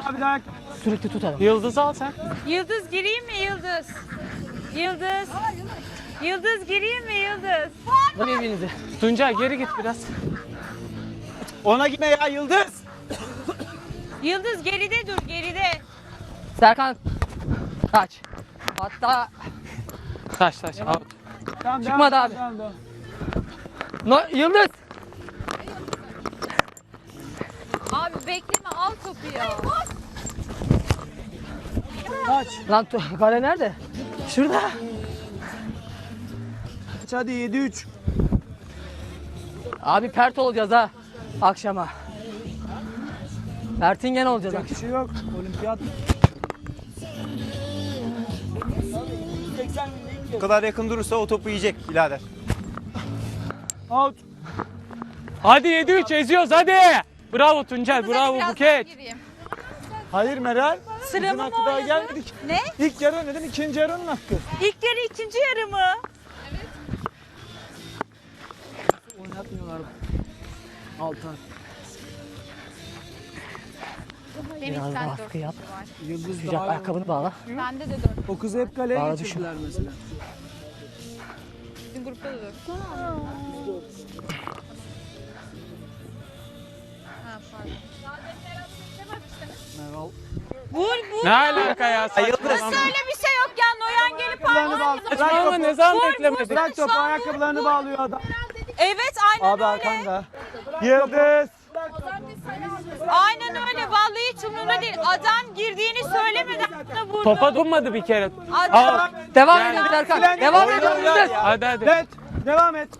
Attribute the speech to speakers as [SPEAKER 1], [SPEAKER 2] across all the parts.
[SPEAKER 1] Abi daha
[SPEAKER 2] Sürekli tutalım.
[SPEAKER 3] Yıldız al sen.
[SPEAKER 4] Yıldız gireyim mi Yıldız? Yıldız. Yıldız gireyim mi Yıldız?
[SPEAKER 2] Bak birbirinize.
[SPEAKER 3] Tuncay geri git biraz.
[SPEAKER 1] ona gitme ya Yıldız.
[SPEAKER 4] Yıldız geride dur geride.
[SPEAKER 2] Serkan. Kaç. Hatta
[SPEAKER 3] Taş out.
[SPEAKER 1] Tamam,
[SPEAKER 2] Çıkmadı
[SPEAKER 1] devam,
[SPEAKER 2] abi.
[SPEAKER 1] devam.
[SPEAKER 2] Yıldız.
[SPEAKER 4] Abi bekleme al topu ya.
[SPEAKER 1] Kaç.
[SPEAKER 2] Lan kale nerede? Şurada.
[SPEAKER 1] Hadi 7-3.
[SPEAKER 2] Abi pert olacağız ha. Akşama. Pertingen olacağız.
[SPEAKER 1] Bir şey yok. Olimpiyat.
[SPEAKER 5] Bu kadar yakın durursa o topu yiyecek birader.
[SPEAKER 1] Out.
[SPEAKER 3] Hadi 7-3 eziyoruz hadi. Bravo Tuncay, bravo Buket.
[SPEAKER 1] Hayır Meral.
[SPEAKER 4] Sıramı
[SPEAKER 1] Bizim
[SPEAKER 4] mı
[SPEAKER 1] hakkı daha
[SPEAKER 4] oynadın?
[SPEAKER 1] gelmedik.
[SPEAKER 4] Ne?
[SPEAKER 1] İlk yarı dedim, ikinci yarının hakkı.
[SPEAKER 4] İlk yarı ikinci yarı mı?
[SPEAKER 1] Oynatmıyorlar. Altan.
[SPEAKER 2] Biraz da baskı yap.
[SPEAKER 1] Yıldız
[SPEAKER 2] Sıcak
[SPEAKER 1] daha
[SPEAKER 2] ayakkabını bağla.
[SPEAKER 4] Bende de 4.
[SPEAKER 1] O kızı hep kaleye
[SPEAKER 2] Daha
[SPEAKER 1] geçirdiler mesela.
[SPEAKER 4] Bizim grupta da 4. Ha pardon.
[SPEAKER 1] Meral.
[SPEAKER 4] Vur.
[SPEAKER 3] Ne alaka ya?
[SPEAKER 4] Nasıl öyle bir şey yok ya? Noyan gelip
[SPEAKER 1] Ayakkabılarını bağlı.
[SPEAKER 4] almıyor.
[SPEAKER 1] Bırak
[SPEAKER 3] Ama
[SPEAKER 1] topu.
[SPEAKER 3] ne zaman
[SPEAKER 4] Vur,
[SPEAKER 3] beklemedik.
[SPEAKER 1] Bırak topu, ayakkabılarını bağlıyor adam.
[SPEAKER 4] Evet aynen
[SPEAKER 1] Abi
[SPEAKER 4] öyle.
[SPEAKER 1] arkanda. Yıldız.
[SPEAKER 4] Aynen öyle. Vallahi hiç umurumda değil. Adam girdiğini söylemeden bana vurdu.
[SPEAKER 3] Topa dokunmadı bir kere.
[SPEAKER 4] Adam.
[SPEAKER 2] Devam
[SPEAKER 3] Yani-
[SPEAKER 2] edin Serkan.
[SPEAKER 1] Silen-
[SPEAKER 2] Devam
[SPEAKER 1] Oyna,
[SPEAKER 2] edin
[SPEAKER 1] oyna
[SPEAKER 2] Yıldız.
[SPEAKER 1] ya.
[SPEAKER 3] Hadi hadi.
[SPEAKER 1] Evet. Devam et.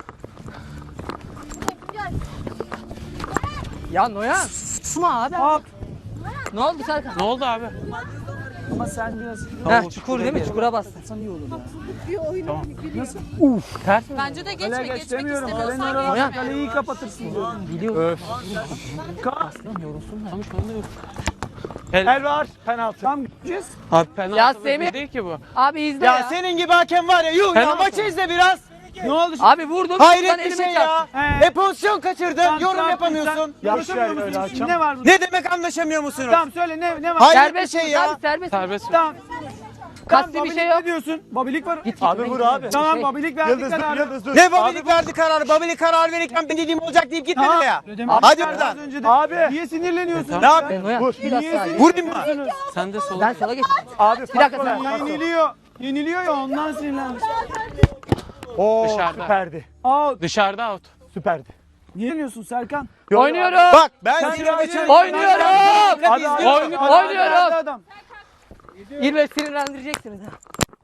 [SPEAKER 2] Ya Noyan. Susma abi.
[SPEAKER 1] Out.
[SPEAKER 2] Ne oldu Serkan?
[SPEAKER 3] Ne oldu abi?
[SPEAKER 1] Ama sen biraz...
[SPEAKER 2] Heh, çukur değil mi? Çukura bastın.
[SPEAKER 1] Sen iyi olur ya.
[SPEAKER 3] Ters mi?
[SPEAKER 4] Bence de geçme.
[SPEAKER 1] Kale geç
[SPEAKER 4] Geçmek
[SPEAKER 1] demiyorum. Kalenin
[SPEAKER 4] istemiyorsan
[SPEAKER 1] oradan
[SPEAKER 2] Noyan.
[SPEAKER 1] kaleyi iyi kapatırsın diyorum.
[SPEAKER 2] Biliyorum.
[SPEAKER 3] Tamam şu anda yok.
[SPEAKER 1] El var. Penaltı. Tam gideceğiz.
[SPEAKER 3] Abi penaltı
[SPEAKER 2] Ya
[SPEAKER 3] bu
[SPEAKER 2] Semih.
[SPEAKER 3] değil ki bu.
[SPEAKER 2] Abi izle
[SPEAKER 5] Ya
[SPEAKER 2] ya.
[SPEAKER 5] senin gibi hakem var ya yuh ya
[SPEAKER 3] Penaltı
[SPEAKER 5] maçı
[SPEAKER 3] mı?
[SPEAKER 5] izle biraz.
[SPEAKER 1] Ne oldu şimdi?
[SPEAKER 2] Abi vurdum.
[SPEAKER 5] Hayret
[SPEAKER 2] şuradan
[SPEAKER 5] bir
[SPEAKER 2] elime
[SPEAKER 5] şey
[SPEAKER 2] çarptı.
[SPEAKER 5] ya.
[SPEAKER 1] He.
[SPEAKER 5] Pozisyon kaçırdın
[SPEAKER 1] Tamam,
[SPEAKER 5] yorum
[SPEAKER 1] tamam,
[SPEAKER 5] yapamıyorsun.
[SPEAKER 1] sen- Anlaşamıyor öyle musun? hakem. Ne var burada?
[SPEAKER 5] Ne demek anlaşamıyor musunuz?
[SPEAKER 1] Tamam söyle ne var?
[SPEAKER 5] Hayret bir
[SPEAKER 2] Serbest
[SPEAKER 5] şey
[SPEAKER 2] vur
[SPEAKER 5] ya.
[SPEAKER 2] abi serbest.
[SPEAKER 3] Serbest.
[SPEAKER 1] Tamam.
[SPEAKER 2] Kasti bir
[SPEAKER 1] babilik
[SPEAKER 2] şey yok.
[SPEAKER 1] Ne diyorsun? Babilik var.
[SPEAKER 2] Git,
[SPEAKER 5] Abi
[SPEAKER 2] git,
[SPEAKER 5] vur
[SPEAKER 2] git.
[SPEAKER 5] abi.
[SPEAKER 1] Tamam
[SPEAKER 2] Şey,
[SPEAKER 1] babilik verdik kararı.
[SPEAKER 5] Ne babilik verdi kararı? Babilik karar verirken ben dediğim olacak deyip gitmedi
[SPEAKER 1] Tamam.
[SPEAKER 5] ya.
[SPEAKER 1] Ödeme
[SPEAKER 5] Hadi
[SPEAKER 1] verdi
[SPEAKER 5] buradan.
[SPEAKER 1] az önce de.
[SPEAKER 5] Abi.
[SPEAKER 1] Niye sinirleniyorsun?
[SPEAKER 5] Ne yap?
[SPEAKER 2] Ben Noyan. Biraz
[SPEAKER 1] Niye
[SPEAKER 2] sağa git.
[SPEAKER 5] Vurayım mı?
[SPEAKER 3] Sen de sola.
[SPEAKER 2] Ben sola geç.
[SPEAKER 5] Abi
[SPEAKER 2] Bir dakika sen.
[SPEAKER 1] Yeniliyor. Yeniliyor ya ondan sinirlenmiş.
[SPEAKER 5] Oo
[SPEAKER 3] Dışarıda.
[SPEAKER 5] süperdi.
[SPEAKER 1] Out.
[SPEAKER 3] Dışarıda out.
[SPEAKER 5] Süperdi.
[SPEAKER 1] Niye yeniyorsun Serkan?
[SPEAKER 2] Oynuyorum.
[SPEAKER 5] Bak ben
[SPEAKER 1] Sen
[SPEAKER 5] sinirime
[SPEAKER 1] sadece-
[SPEAKER 5] çektim.
[SPEAKER 2] Oynuyorum.
[SPEAKER 5] Hadi izliyorum.
[SPEAKER 2] Oynuyorum.
[SPEAKER 1] Adam.
[SPEAKER 2] İlbe sinirlendireceksiniz ha.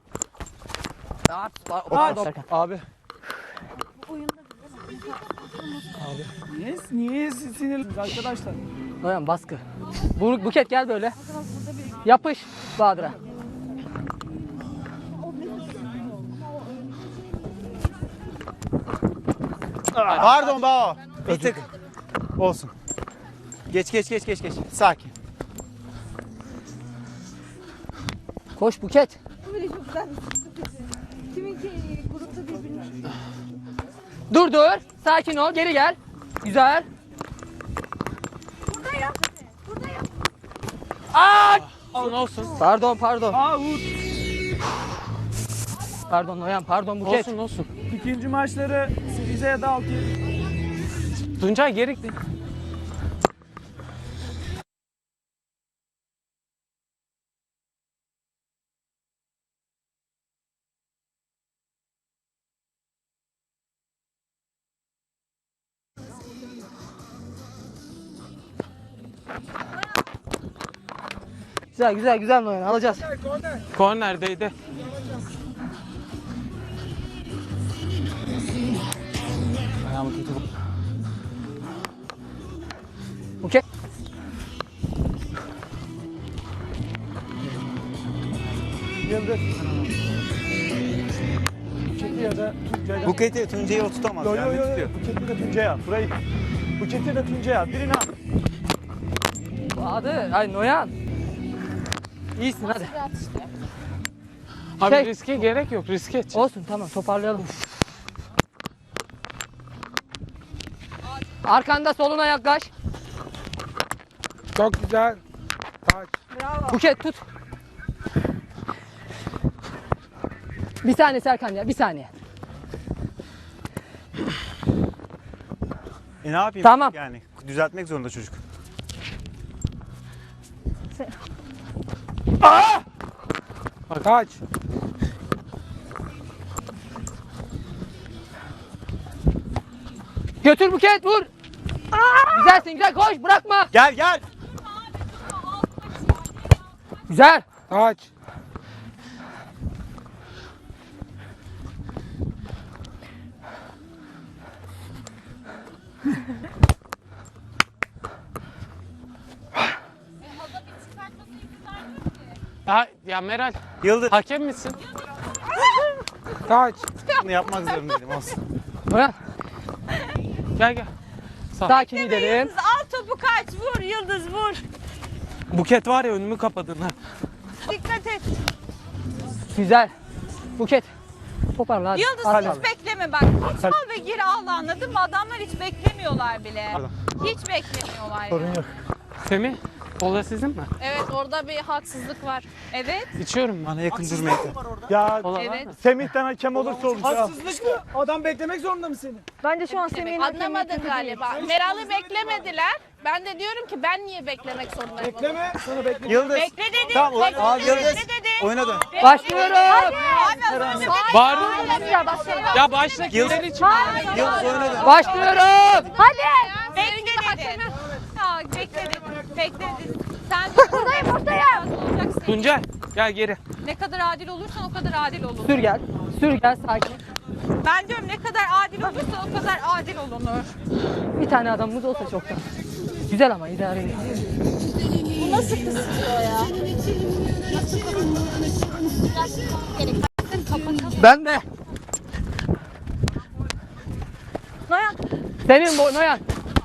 [SPEAKER 2] Pardon. Serkan.
[SPEAKER 5] Abi.
[SPEAKER 1] Niye sinirlendiniz arkadaşlar?
[SPEAKER 2] Noyan baskı. Buket gel böyle. Yapış Bahadır'a.
[SPEAKER 5] Pardon Bao. Bir tık. Olsun. Geç. Sakin.
[SPEAKER 2] Koş Buket.
[SPEAKER 6] Kiminki grupta birbirini
[SPEAKER 2] Dur. Sakin ol. Geri gel. Güzel.
[SPEAKER 3] Olsun.
[SPEAKER 2] Pardon.
[SPEAKER 1] Out.
[SPEAKER 2] Pardon Noyan. Pardon Buket.
[SPEAKER 3] Olsun.
[SPEAKER 1] İkinci maçları 8'e ya da 6'ya.
[SPEAKER 3] Tuncay geri git.
[SPEAKER 2] Güzel Noyan. Alacağız.
[SPEAKER 3] Kornerdeydi.
[SPEAKER 2] Buket.
[SPEAKER 1] Yıldız. Buket'i ya da Tuncay'la.
[SPEAKER 5] Buket'i Tuncay'ı o tutamaz.
[SPEAKER 1] Yo.
[SPEAKER 5] Yani tutuyor.
[SPEAKER 1] Buket'i de Tuncay'a al. Burayı. Buket'i de Tuncay'a al. Birini al.
[SPEAKER 2] Bahadır. Ay Noyan. İyisin hadi.
[SPEAKER 3] Abi
[SPEAKER 2] Şey-
[SPEAKER 3] riske gerek yok. Riske et.
[SPEAKER 2] Olsun tamam toparlayalım. Arkanda soluna yaklaş.
[SPEAKER 1] Çok güzel.
[SPEAKER 2] Buket tut. Bir saniye Serkan ya, bir saniye.
[SPEAKER 1] Ne yapayım?
[SPEAKER 2] Tamam.
[SPEAKER 1] Yani düzeltmek zorunda çocuk.
[SPEAKER 3] Kaç.
[SPEAKER 2] Götür Buket, vur. Güzelsin, güzel, koş, bırakma.
[SPEAKER 1] Gel gel.
[SPEAKER 2] Güzel.
[SPEAKER 3] Kaç. Ya Meral,
[SPEAKER 1] Yıldız.
[SPEAKER 3] hakem misin? Kaç.
[SPEAKER 1] Bunu yapmak zorundaydım olsun.
[SPEAKER 2] Bırak.
[SPEAKER 3] Gel gel.
[SPEAKER 2] Sakin gidelim.
[SPEAKER 4] Yıldız al topu kaç vur Yıldız vur.
[SPEAKER 3] Buket var ya önümü kapadın ha.
[SPEAKER 4] Dikkat et.
[SPEAKER 2] Güzel. Buket. Toparla hadi.
[SPEAKER 4] Yıldız
[SPEAKER 2] Hadi.
[SPEAKER 4] hiç bekleme bak. Hiç al ve gir al anladın mı? Adamlar hiç beklemiyorlar bile.
[SPEAKER 1] Pardon.
[SPEAKER 4] Hiç beklemiyorlar.
[SPEAKER 1] Sorun
[SPEAKER 4] yani.
[SPEAKER 1] yok.
[SPEAKER 3] Semih, kola sizin mi?
[SPEAKER 7] Evet orada bir haksızlık var.
[SPEAKER 4] Evet.
[SPEAKER 3] İçiyorum ben.
[SPEAKER 1] Bana yakın durmayın. Ya
[SPEAKER 3] Kola var
[SPEAKER 7] Evet.
[SPEAKER 3] mı?
[SPEAKER 1] Semih'ten hakem olursa olur.
[SPEAKER 5] Haksızlık mı? Adam beklemek zorunda mı seni?
[SPEAKER 6] Bence şu an Semih'in
[SPEAKER 7] Anlamadın galiba. Meral'ı beklemediler. Ben de diyorum ki ben niye beklemek zorundayım?
[SPEAKER 5] Bekleme. Sana bekle.
[SPEAKER 1] Yıldız.
[SPEAKER 4] Bekle dedim.
[SPEAKER 1] Tamam
[SPEAKER 4] bekle
[SPEAKER 1] abi
[SPEAKER 4] dedim.
[SPEAKER 1] Yıldız.
[SPEAKER 4] Bekle dedim.
[SPEAKER 1] Oyuna dön.
[SPEAKER 2] Başlıyorum.
[SPEAKER 3] Bağırın. Ya başla
[SPEAKER 1] Yıldız.
[SPEAKER 3] kimler için?
[SPEAKER 1] Yıldız oyuna dön.
[SPEAKER 2] Başlıyorum.
[SPEAKER 4] Bekle dedim. Ya bekle dedim. Bekle dedim. Sen buradayım.
[SPEAKER 3] Tuncay, gel geri.
[SPEAKER 4] Ne kadar adil olursan o kadar adil olur.
[SPEAKER 2] Sür gel. Sür gel, sakin.
[SPEAKER 4] Ben diyorum ne kadar adil olursa o kadar adil olunur.
[SPEAKER 2] Bir tane adamımız olsa çoktan. Güzel ama idare edin. Ben de.
[SPEAKER 4] Noyan.
[SPEAKER 2] Senin boy Noyan.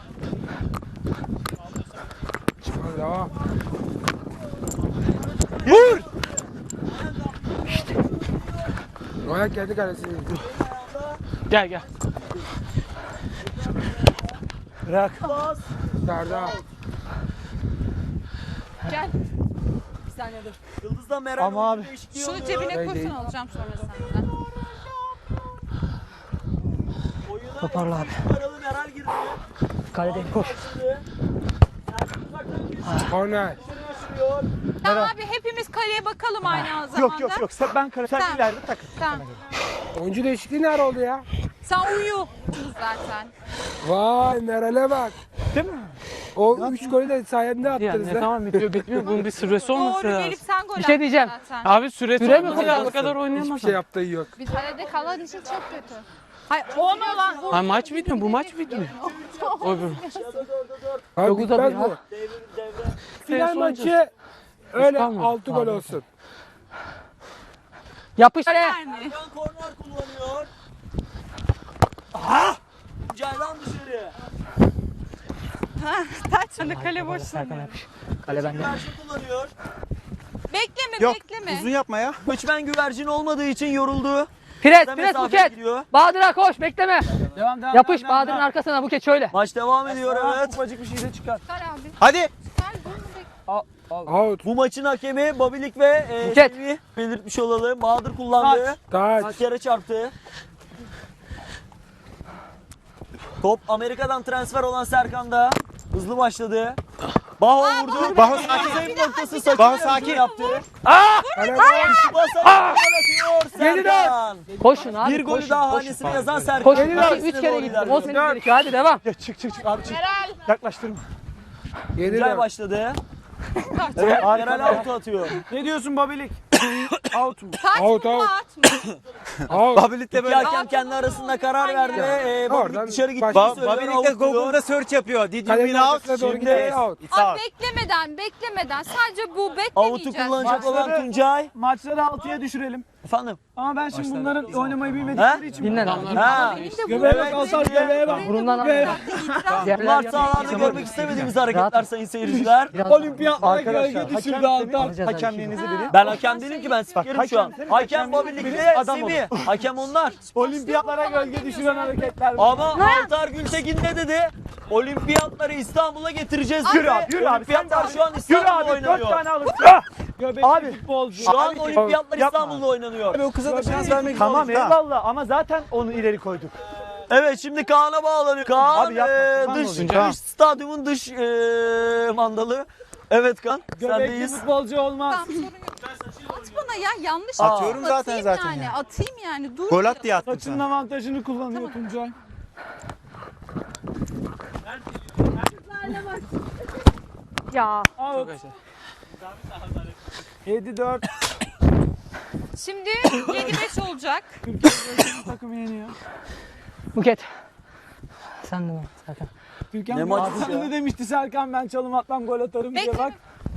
[SPEAKER 1] Vur.
[SPEAKER 3] Noyak geldi kalesi. Gel gel.
[SPEAKER 1] Bırak.
[SPEAKER 3] Serdar.
[SPEAKER 4] Gel.
[SPEAKER 5] Yıldız'la Meral
[SPEAKER 1] Ama abi.
[SPEAKER 4] Şunu cebine koysan alacağım sonra senden.
[SPEAKER 2] Toparla abi.
[SPEAKER 5] Meralı Meral girdi.
[SPEAKER 2] Kalede koş.
[SPEAKER 3] Korner.
[SPEAKER 4] Tamam abi hepimiz kaleye bakalım aynı zamanda.
[SPEAKER 1] Yok yok yok. Ben kare. Sen
[SPEAKER 4] Tamam.
[SPEAKER 1] ileride takıl.
[SPEAKER 4] Tamam.
[SPEAKER 3] Oyuncu değişikliği nerede oldu ya?
[SPEAKER 4] Sen uyu zaten.
[SPEAKER 3] Vay Meral'e bak.
[SPEAKER 1] Değil mi?
[SPEAKER 3] O 3 golü de sayende attınız
[SPEAKER 8] Ne zaman bitiyor bitmiyor. Bunun bir süresi olması
[SPEAKER 4] Doğru
[SPEAKER 8] lazım.
[SPEAKER 4] gelip sen gol
[SPEAKER 2] Bir şey
[SPEAKER 4] attın
[SPEAKER 2] diyeceğim.
[SPEAKER 4] zaten.
[SPEAKER 3] Abi süresi
[SPEAKER 2] Süre mi
[SPEAKER 3] olmadı,
[SPEAKER 2] kaldı?
[SPEAKER 3] bu kadar oynayamaz.
[SPEAKER 8] Hiçbir şey yaptığı yok.
[SPEAKER 7] Biz kalede kalan için çok kötü.
[SPEAKER 4] Hayır 10 olan
[SPEAKER 3] Ha maç bitmiyor, bu maç bitmiyor. Öbür.
[SPEAKER 2] Çok uzadı ya.
[SPEAKER 3] Final maçı öyle
[SPEAKER 8] kalmadı.
[SPEAKER 3] 6 gol olsun.
[SPEAKER 2] Yapış. Kale.
[SPEAKER 4] yani.
[SPEAKER 5] Korner kullanıyor. Caylan dışarı.
[SPEAKER 4] Taç kale boş.
[SPEAKER 2] Serkan yapış. Kale bende.
[SPEAKER 5] Güvercin kullanıyor.
[SPEAKER 4] Bekleme
[SPEAKER 1] Yok.
[SPEAKER 4] bekleme.
[SPEAKER 1] Uzun yapma ya.
[SPEAKER 5] Göçmen güvercin olmadığı için yoruldu.
[SPEAKER 2] Pres,
[SPEAKER 5] Kısa
[SPEAKER 2] pres
[SPEAKER 5] mesafe
[SPEAKER 2] Buket.
[SPEAKER 5] gidiyor.
[SPEAKER 2] Bahadır'a koş, bekleme.
[SPEAKER 5] Devam devam.
[SPEAKER 2] Yapış Bahadır'ın arkasına Buket şöyle.
[SPEAKER 5] Maç devam ediyor evet.
[SPEAKER 1] Ufacık bir şey de çıkar.
[SPEAKER 7] Kar abi.
[SPEAKER 1] Hadi.
[SPEAKER 3] Out.
[SPEAKER 5] Bu maçın hakemi Babilik ve
[SPEAKER 2] Buket.
[SPEAKER 5] Semih belirtmiş olalım. Bahadır kullandı.
[SPEAKER 3] Kaç.
[SPEAKER 5] Yere çarptı. Top Amerika'dan transfer olan Serkan'da. Hızlı başladı. Baho vurdu.
[SPEAKER 1] Baho
[SPEAKER 5] sakin.
[SPEAKER 1] sakin.
[SPEAKER 5] Zayıf noktası saçını
[SPEAKER 1] Baho sakin.
[SPEAKER 5] yaptı.
[SPEAKER 3] Kale
[SPEAKER 5] Basarak gol atıyor Serkan.
[SPEAKER 2] Koşun abi.
[SPEAKER 5] Bir golü
[SPEAKER 2] koşun,
[SPEAKER 5] daha
[SPEAKER 2] koşun.
[SPEAKER 5] hanesine yazan Serkan.
[SPEAKER 2] Koşun.
[SPEAKER 5] Hanesine
[SPEAKER 2] 3 kere
[SPEAKER 5] doğru
[SPEAKER 2] gittim.
[SPEAKER 5] ilerliyor.
[SPEAKER 2] O senin gerekiyor. Hadi devam.
[SPEAKER 1] Ya çık abi çık.
[SPEAKER 7] Meral.
[SPEAKER 1] Yaklaştırma.
[SPEAKER 5] Güzel
[SPEAKER 3] Yediler.
[SPEAKER 5] başladı.
[SPEAKER 1] Evet
[SPEAKER 5] Meral
[SPEAKER 1] harika.
[SPEAKER 5] out'u atıyor.
[SPEAKER 1] Ne diyorsun Babilik? Out mu?
[SPEAKER 4] Taç
[SPEAKER 3] Out,
[SPEAKER 4] mı
[SPEAKER 3] out.
[SPEAKER 4] at mı?
[SPEAKER 3] Out.
[SPEAKER 1] Babilik de
[SPEAKER 5] İki
[SPEAKER 1] böyle.
[SPEAKER 5] hakem kendi arasında karar verdi ve
[SPEAKER 3] Oradan
[SPEAKER 5] Babilik dışarı gitti.
[SPEAKER 3] baş-
[SPEAKER 1] Babilik de Google'da search yapıyor. Did you
[SPEAKER 3] Kalenin
[SPEAKER 1] win out?
[SPEAKER 3] arkasına doğru
[SPEAKER 1] Şimdi
[SPEAKER 3] gidiyor, out.
[SPEAKER 1] it's
[SPEAKER 4] Abi
[SPEAKER 1] out.
[SPEAKER 4] beklemeden sadece bu
[SPEAKER 5] Out'u
[SPEAKER 4] beklemeyeceğiz.
[SPEAKER 5] kullanacak olan Tuncay.
[SPEAKER 1] Maçları 6'ya düşürelim.
[SPEAKER 5] Efendim?
[SPEAKER 1] Ama ben şimdi bunların oynamayı bilmedikleri için.
[SPEAKER 2] Dinlen abi.
[SPEAKER 5] Ha.
[SPEAKER 1] Göbeğe bak Altar, göbeğe bak.
[SPEAKER 2] Burundan al.
[SPEAKER 5] Bunlar sahalarda görmek istemediğimiz hareketler sayın seyirciler.
[SPEAKER 1] Olimpiyatlara gölge düşürdü Altar.
[SPEAKER 2] Hakemliğinizi bilin.
[SPEAKER 5] Ben hakem değilim ki, ben spikerim şu an.
[SPEAKER 1] hakem-
[SPEAKER 5] Hakem
[SPEAKER 1] hakem-
[SPEAKER 5] Babilik'te
[SPEAKER 1] adam
[SPEAKER 5] Semih. Hakem onlar.
[SPEAKER 1] Olimpiyatlara gölge düşüren hareketler.
[SPEAKER 5] Ama Altar Gültekin ne dedi? Olimpiyatları İstanbul'a getireceğiz dedi.
[SPEAKER 1] Yürü abi, yürü abi.
[SPEAKER 5] Olimpiyatlar şu an
[SPEAKER 1] Yürü
[SPEAKER 5] İstanbul'da
[SPEAKER 1] abi, 4
[SPEAKER 5] oynanıyor.
[SPEAKER 1] tane alırsın.
[SPEAKER 6] Göbekli
[SPEAKER 1] Abi.
[SPEAKER 6] futbolcu.
[SPEAKER 5] Şu an olimpiyatlar
[SPEAKER 1] Yapma.
[SPEAKER 5] İstanbul'da oynanıyor.
[SPEAKER 6] O kıza da şans vermek
[SPEAKER 1] Tamam eyvallah ama zaten onu ileri koyduk.
[SPEAKER 5] Evet, şimdi Kaan'a bağlanıyor. Kaan
[SPEAKER 1] Abi yapma,
[SPEAKER 5] dış
[SPEAKER 1] oluyor.
[SPEAKER 5] stadyumun dış mandalı. Evet Kaan,
[SPEAKER 6] Göbekli
[SPEAKER 5] sendeyiz.
[SPEAKER 6] futbolcu olmaz.
[SPEAKER 9] Tamam, sorun yok. At bana ya, yanlış.
[SPEAKER 10] Atıyorum zaten
[SPEAKER 9] Atayım
[SPEAKER 10] zaten
[SPEAKER 9] yani.
[SPEAKER 10] ya.
[SPEAKER 9] Atayım yani. Dur.
[SPEAKER 10] Gol at diye attım
[SPEAKER 6] Saçının
[SPEAKER 10] sana.
[SPEAKER 6] avantajını kullanıyor Tuncay.
[SPEAKER 4] Ya.
[SPEAKER 6] Out. 7-4.
[SPEAKER 4] Şimdi 7-5 olacak.
[SPEAKER 6] Takım yeniyor.
[SPEAKER 2] Buket. Sen de mi Serkan?
[SPEAKER 6] Türkan
[SPEAKER 5] Ne maçı ya?
[SPEAKER 6] ne demişti Serkan, ben çalım atmam gol atarım diye bak.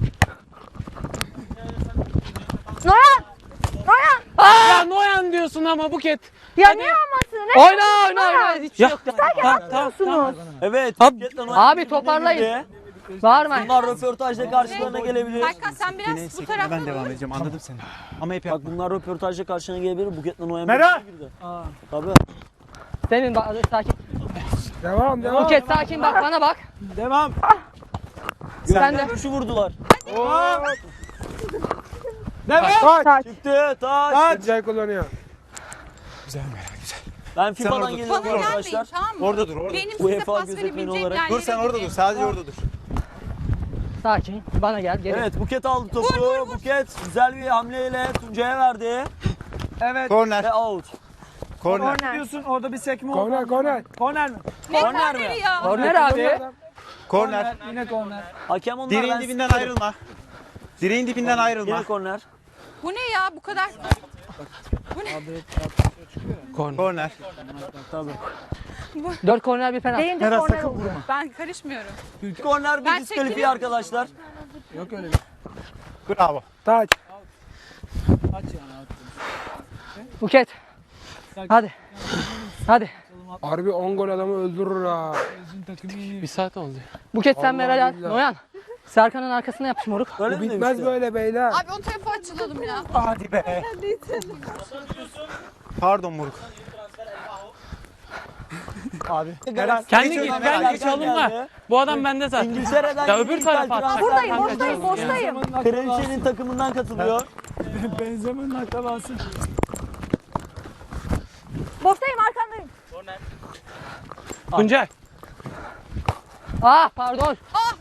[SPEAKER 3] Ya Noyan diyorsun ama Buket.
[SPEAKER 4] Ya ne olmasın?
[SPEAKER 2] Oyna. Hiç
[SPEAKER 3] Ya.
[SPEAKER 2] yok.
[SPEAKER 3] Tamam.
[SPEAKER 5] Evet.
[SPEAKER 3] Abi-
[SPEAKER 5] Buketle Noyan
[SPEAKER 2] Abi
[SPEAKER 5] birbirine
[SPEAKER 2] toparlayın.
[SPEAKER 5] girdi.
[SPEAKER 2] Bağırmayın.
[SPEAKER 5] Bunlar röportajda karşılarına gelebilir.
[SPEAKER 4] Hakan sen biraz bu tarafa
[SPEAKER 10] Ben devam edeceğim, anladım seni. Ama hep
[SPEAKER 5] Bak bunlar röportajda karşına gelebilir. Buketle Noyan
[SPEAKER 1] Meral!
[SPEAKER 5] birbirine girdi. Tabii.
[SPEAKER 2] Senin sakin.
[SPEAKER 6] Devam.
[SPEAKER 2] Buket sakin bak bana bak.
[SPEAKER 6] Devam.
[SPEAKER 2] Sen de.
[SPEAKER 5] Kuşu vurdular.
[SPEAKER 6] Devam.
[SPEAKER 5] Çıktı. Taç.
[SPEAKER 6] Tuncay kullanıyor.
[SPEAKER 5] Ben FIFA'dan geliyorum
[SPEAKER 9] Bana gelmeyin,
[SPEAKER 5] arkadaşlar.
[SPEAKER 9] tamam mı?
[SPEAKER 10] orada dur, orada.
[SPEAKER 9] Benim size
[SPEAKER 5] UEFA
[SPEAKER 9] pas
[SPEAKER 5] gözetmeni
[SPEAKER 9] verebileceğim
[SPEAKER 5] olarak.
[SPEAKER 9] yerlere
[SPEAKER 10] Dur sen orada dur,
[SPEAKER 9] gidin.
[SPEAKER 10] sadece orada dur.
[SPEAKER 2] Sakin. Bana gel. Geri.
[SPEAKER 5] Evet, Buket aldı topu. Buket güzel bir hamleyle Tuncay'a verdi.
[SPEAKER 6] Evet.
[SPEAKER 10] Korner,
[SPEAKER 5] Ve out.
[SPEAKER 10] korner.
[SPEAKER 6] Diyorsun orada bir sekme oldu. Korner. Korner mi?
[SPEAKER 5] Korner mi?
[SPEAKER 4] ya.
[SPEAKER 2] Korner abi.
[SPEAKER 10] Korner.
[SPEAKER 6] Yine korner.
[SPEAKER 5] Hakem onlar.
[SPEAKER 10] Direğin
[SPEAKER 5] ben
[SPEAKER 10] dibinden
[SPEAKER 5] sikerim.
[SPEAKER 10] ayrılma. Direğin dibinden ayrılma.
[SPEAKER 5] Yine korner.
[SPEAKER 9] Bu ne ya, bu kadar?
[SPEAKER 10] Korner.
[SPEAKER 2] 4 korner bir penaltı.
[SPEAKER 9] Ben karışmıyorum.
[SPEAKER 5] Korner bir
[SPEAKER 9] Ben
[SPEAKER 5] diskalifiye
[SPEAKER 9] çekiliyorum.
[SPEAKER 5] arkadaşlar.
[SPEAKER 10] Bravo.
[SPEAKER 6] Taç.
[SPEAKER 2] Buket. Hadi. Hadi.
[SPEAKER 6] Harbi 10 gol adamı öldürür ha.
[SPEAKER 3] Bir saat oldu.
[SPEAKER 2] Buket sen Meral al.
[SPEAKER 6] billahi.
[SPEAKER 2] Noyan. Serkan'ın arkasına yapış moruk.
[SPEAKER 5] Öyle mi
[SPEAKER 6] Bitmez
[SPEAKER 5] demişti?
[SPEAKER 6] böyle beyler.
[SPEAKER 9] Abi o tarafa açılalım ya.
[SPEAKER 10] Hadi be. Pardon Muruk.
[SPEAKER 1] Abi.
[SPEAKER 3] Kendi git,
[SPEAKER 5] Meral
[SPEAKER 3] kendi
[SPEAKER 5] Erken
[SPEAKER 3] çalınma.
[SPEAKER 5] geldi.
[SPEAKER 3] Bu adam bende zaten.
[SPEAKER 5] İngiltere'den
[SPEAKER 3] Ya
[SPEAKER 5] yeni
[SPEAKER 3] öbür
[SPEAKER 5] bir
[SPEAKER 3] tarafa
[SPEAKER 5] transfer.
[SPEAKER 3] atacak.
[SPEAKER 4] Boştayım, boştayım.
[SPEAKER 5] Kraliçenin takımından katılıyor.
[SPEAKER 6] Benzemenin akrabası.
[SPEAKER 4] Boştayım, arkandayım.
[SPEAKER 3] Tuncay.
[SPEAKER 2] Ah pardon.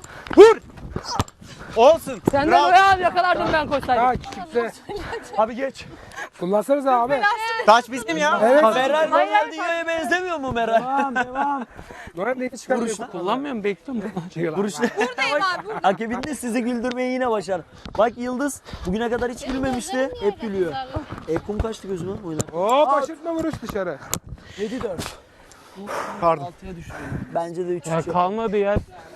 [SPEAKER 10] Olsun.
[SPEAKER 2] Sen de
[SPEAKER 10] Bravo.
[SPEAKER 2] Noyan yakalardım ben koşsaydım.
[SPEAKER 6] Taç çıktı.
[SPEAKER 1] Abi geç.
[SPEAKER 6] Kullansanıza abi.
[SPEAKER 10] Taç bizim ya.
[SPEAKER 6] Evet.
[SPEAKER 5] Meral Ronaldinho'ya benzemiyor mu Meral?
[SPEAKER 6] Devam. Noel neyi çıkartıyor?
[SPEAKER 3] Kullanmıyorum, bekliyorum.
[SPEAKER 5] Vuruşla.
[SPEAKER 9] Buradayım abi.
[SPEAKER 5] Akabinde sizi güldürmeyi yine başar. Bak Yıldız bugüne kadar hiç gülmemişti. Hep gülüyor. Kum kaçtı gözüme oynar.
[SPEAKER 6] Oo, başırtma vuruş dışarı.
[SPEAKER 5] 7-4.
[SPEAKER 10] Pardon.
[SPEAKER 5] Bence de 3
[SPEAKER 3] Ya kalmadı ya.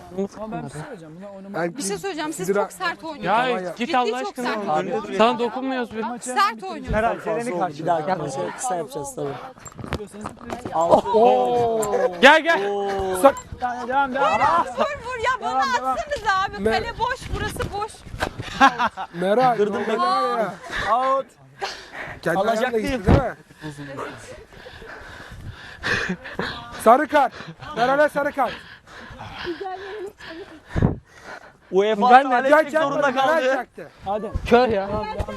[SPEAKER 6] Ben
[SPEAKER 9] Bir şey söyleyeceğim, siz
[SPEAKER 6] Sidra-
[SPEAKER 9] çok sert oynuyorsunuz.
[SPEAKER 3] Ya git
[SPEAKER 9] Ciddi
[SPEAKER 3] Allah
[SPEAKER 9] çok
[SPEAKER 3] aşkına.
[SPEAKER 9] sert.
[SPEAKER 3] Sana dokunmuyoruz bir.
[SPEAKER 9] Sert oynuyorsunuz.
[SPEAKER 1] Meral Selen'i
[SPEAKER 5] Bir
[SPEAKER 1] karşı.
[SPEAKER 5] dahaki maçı kısa yapacağız tabii.
[SPEAKER 3] Gel gel.
[SPEAKER 6] Devam.
[SPEAKER 4] Vur ya, bana atsanız abi. Kale boş, burası boş.
[SPEAKER 6] Meral.
[SPEAKER 5] Kırdım ben.
[SPEAKER 6] Ya. Out. Kendi
[SPEAKER 5] Alacak
[SPEAKER 6] ayağıyla
[SPEAKER 5] değil.
[SPEAKER 6] gitti değil mi? Sarı kart. Meral'e sarı kart.
[SPEAKER 5] UEFA
[SPEAKER 2] Verme,
[SPEAKER 5] iptal
[SPEAKER 6] Gel
[SPEAKER 5] etmek zorunda
[SPEAKER 6] Meral
[SPEAKER 5] kaldı.
[SPEAKER 6] çaktı. Hadi.
[SPEAKER 2] Kör ya.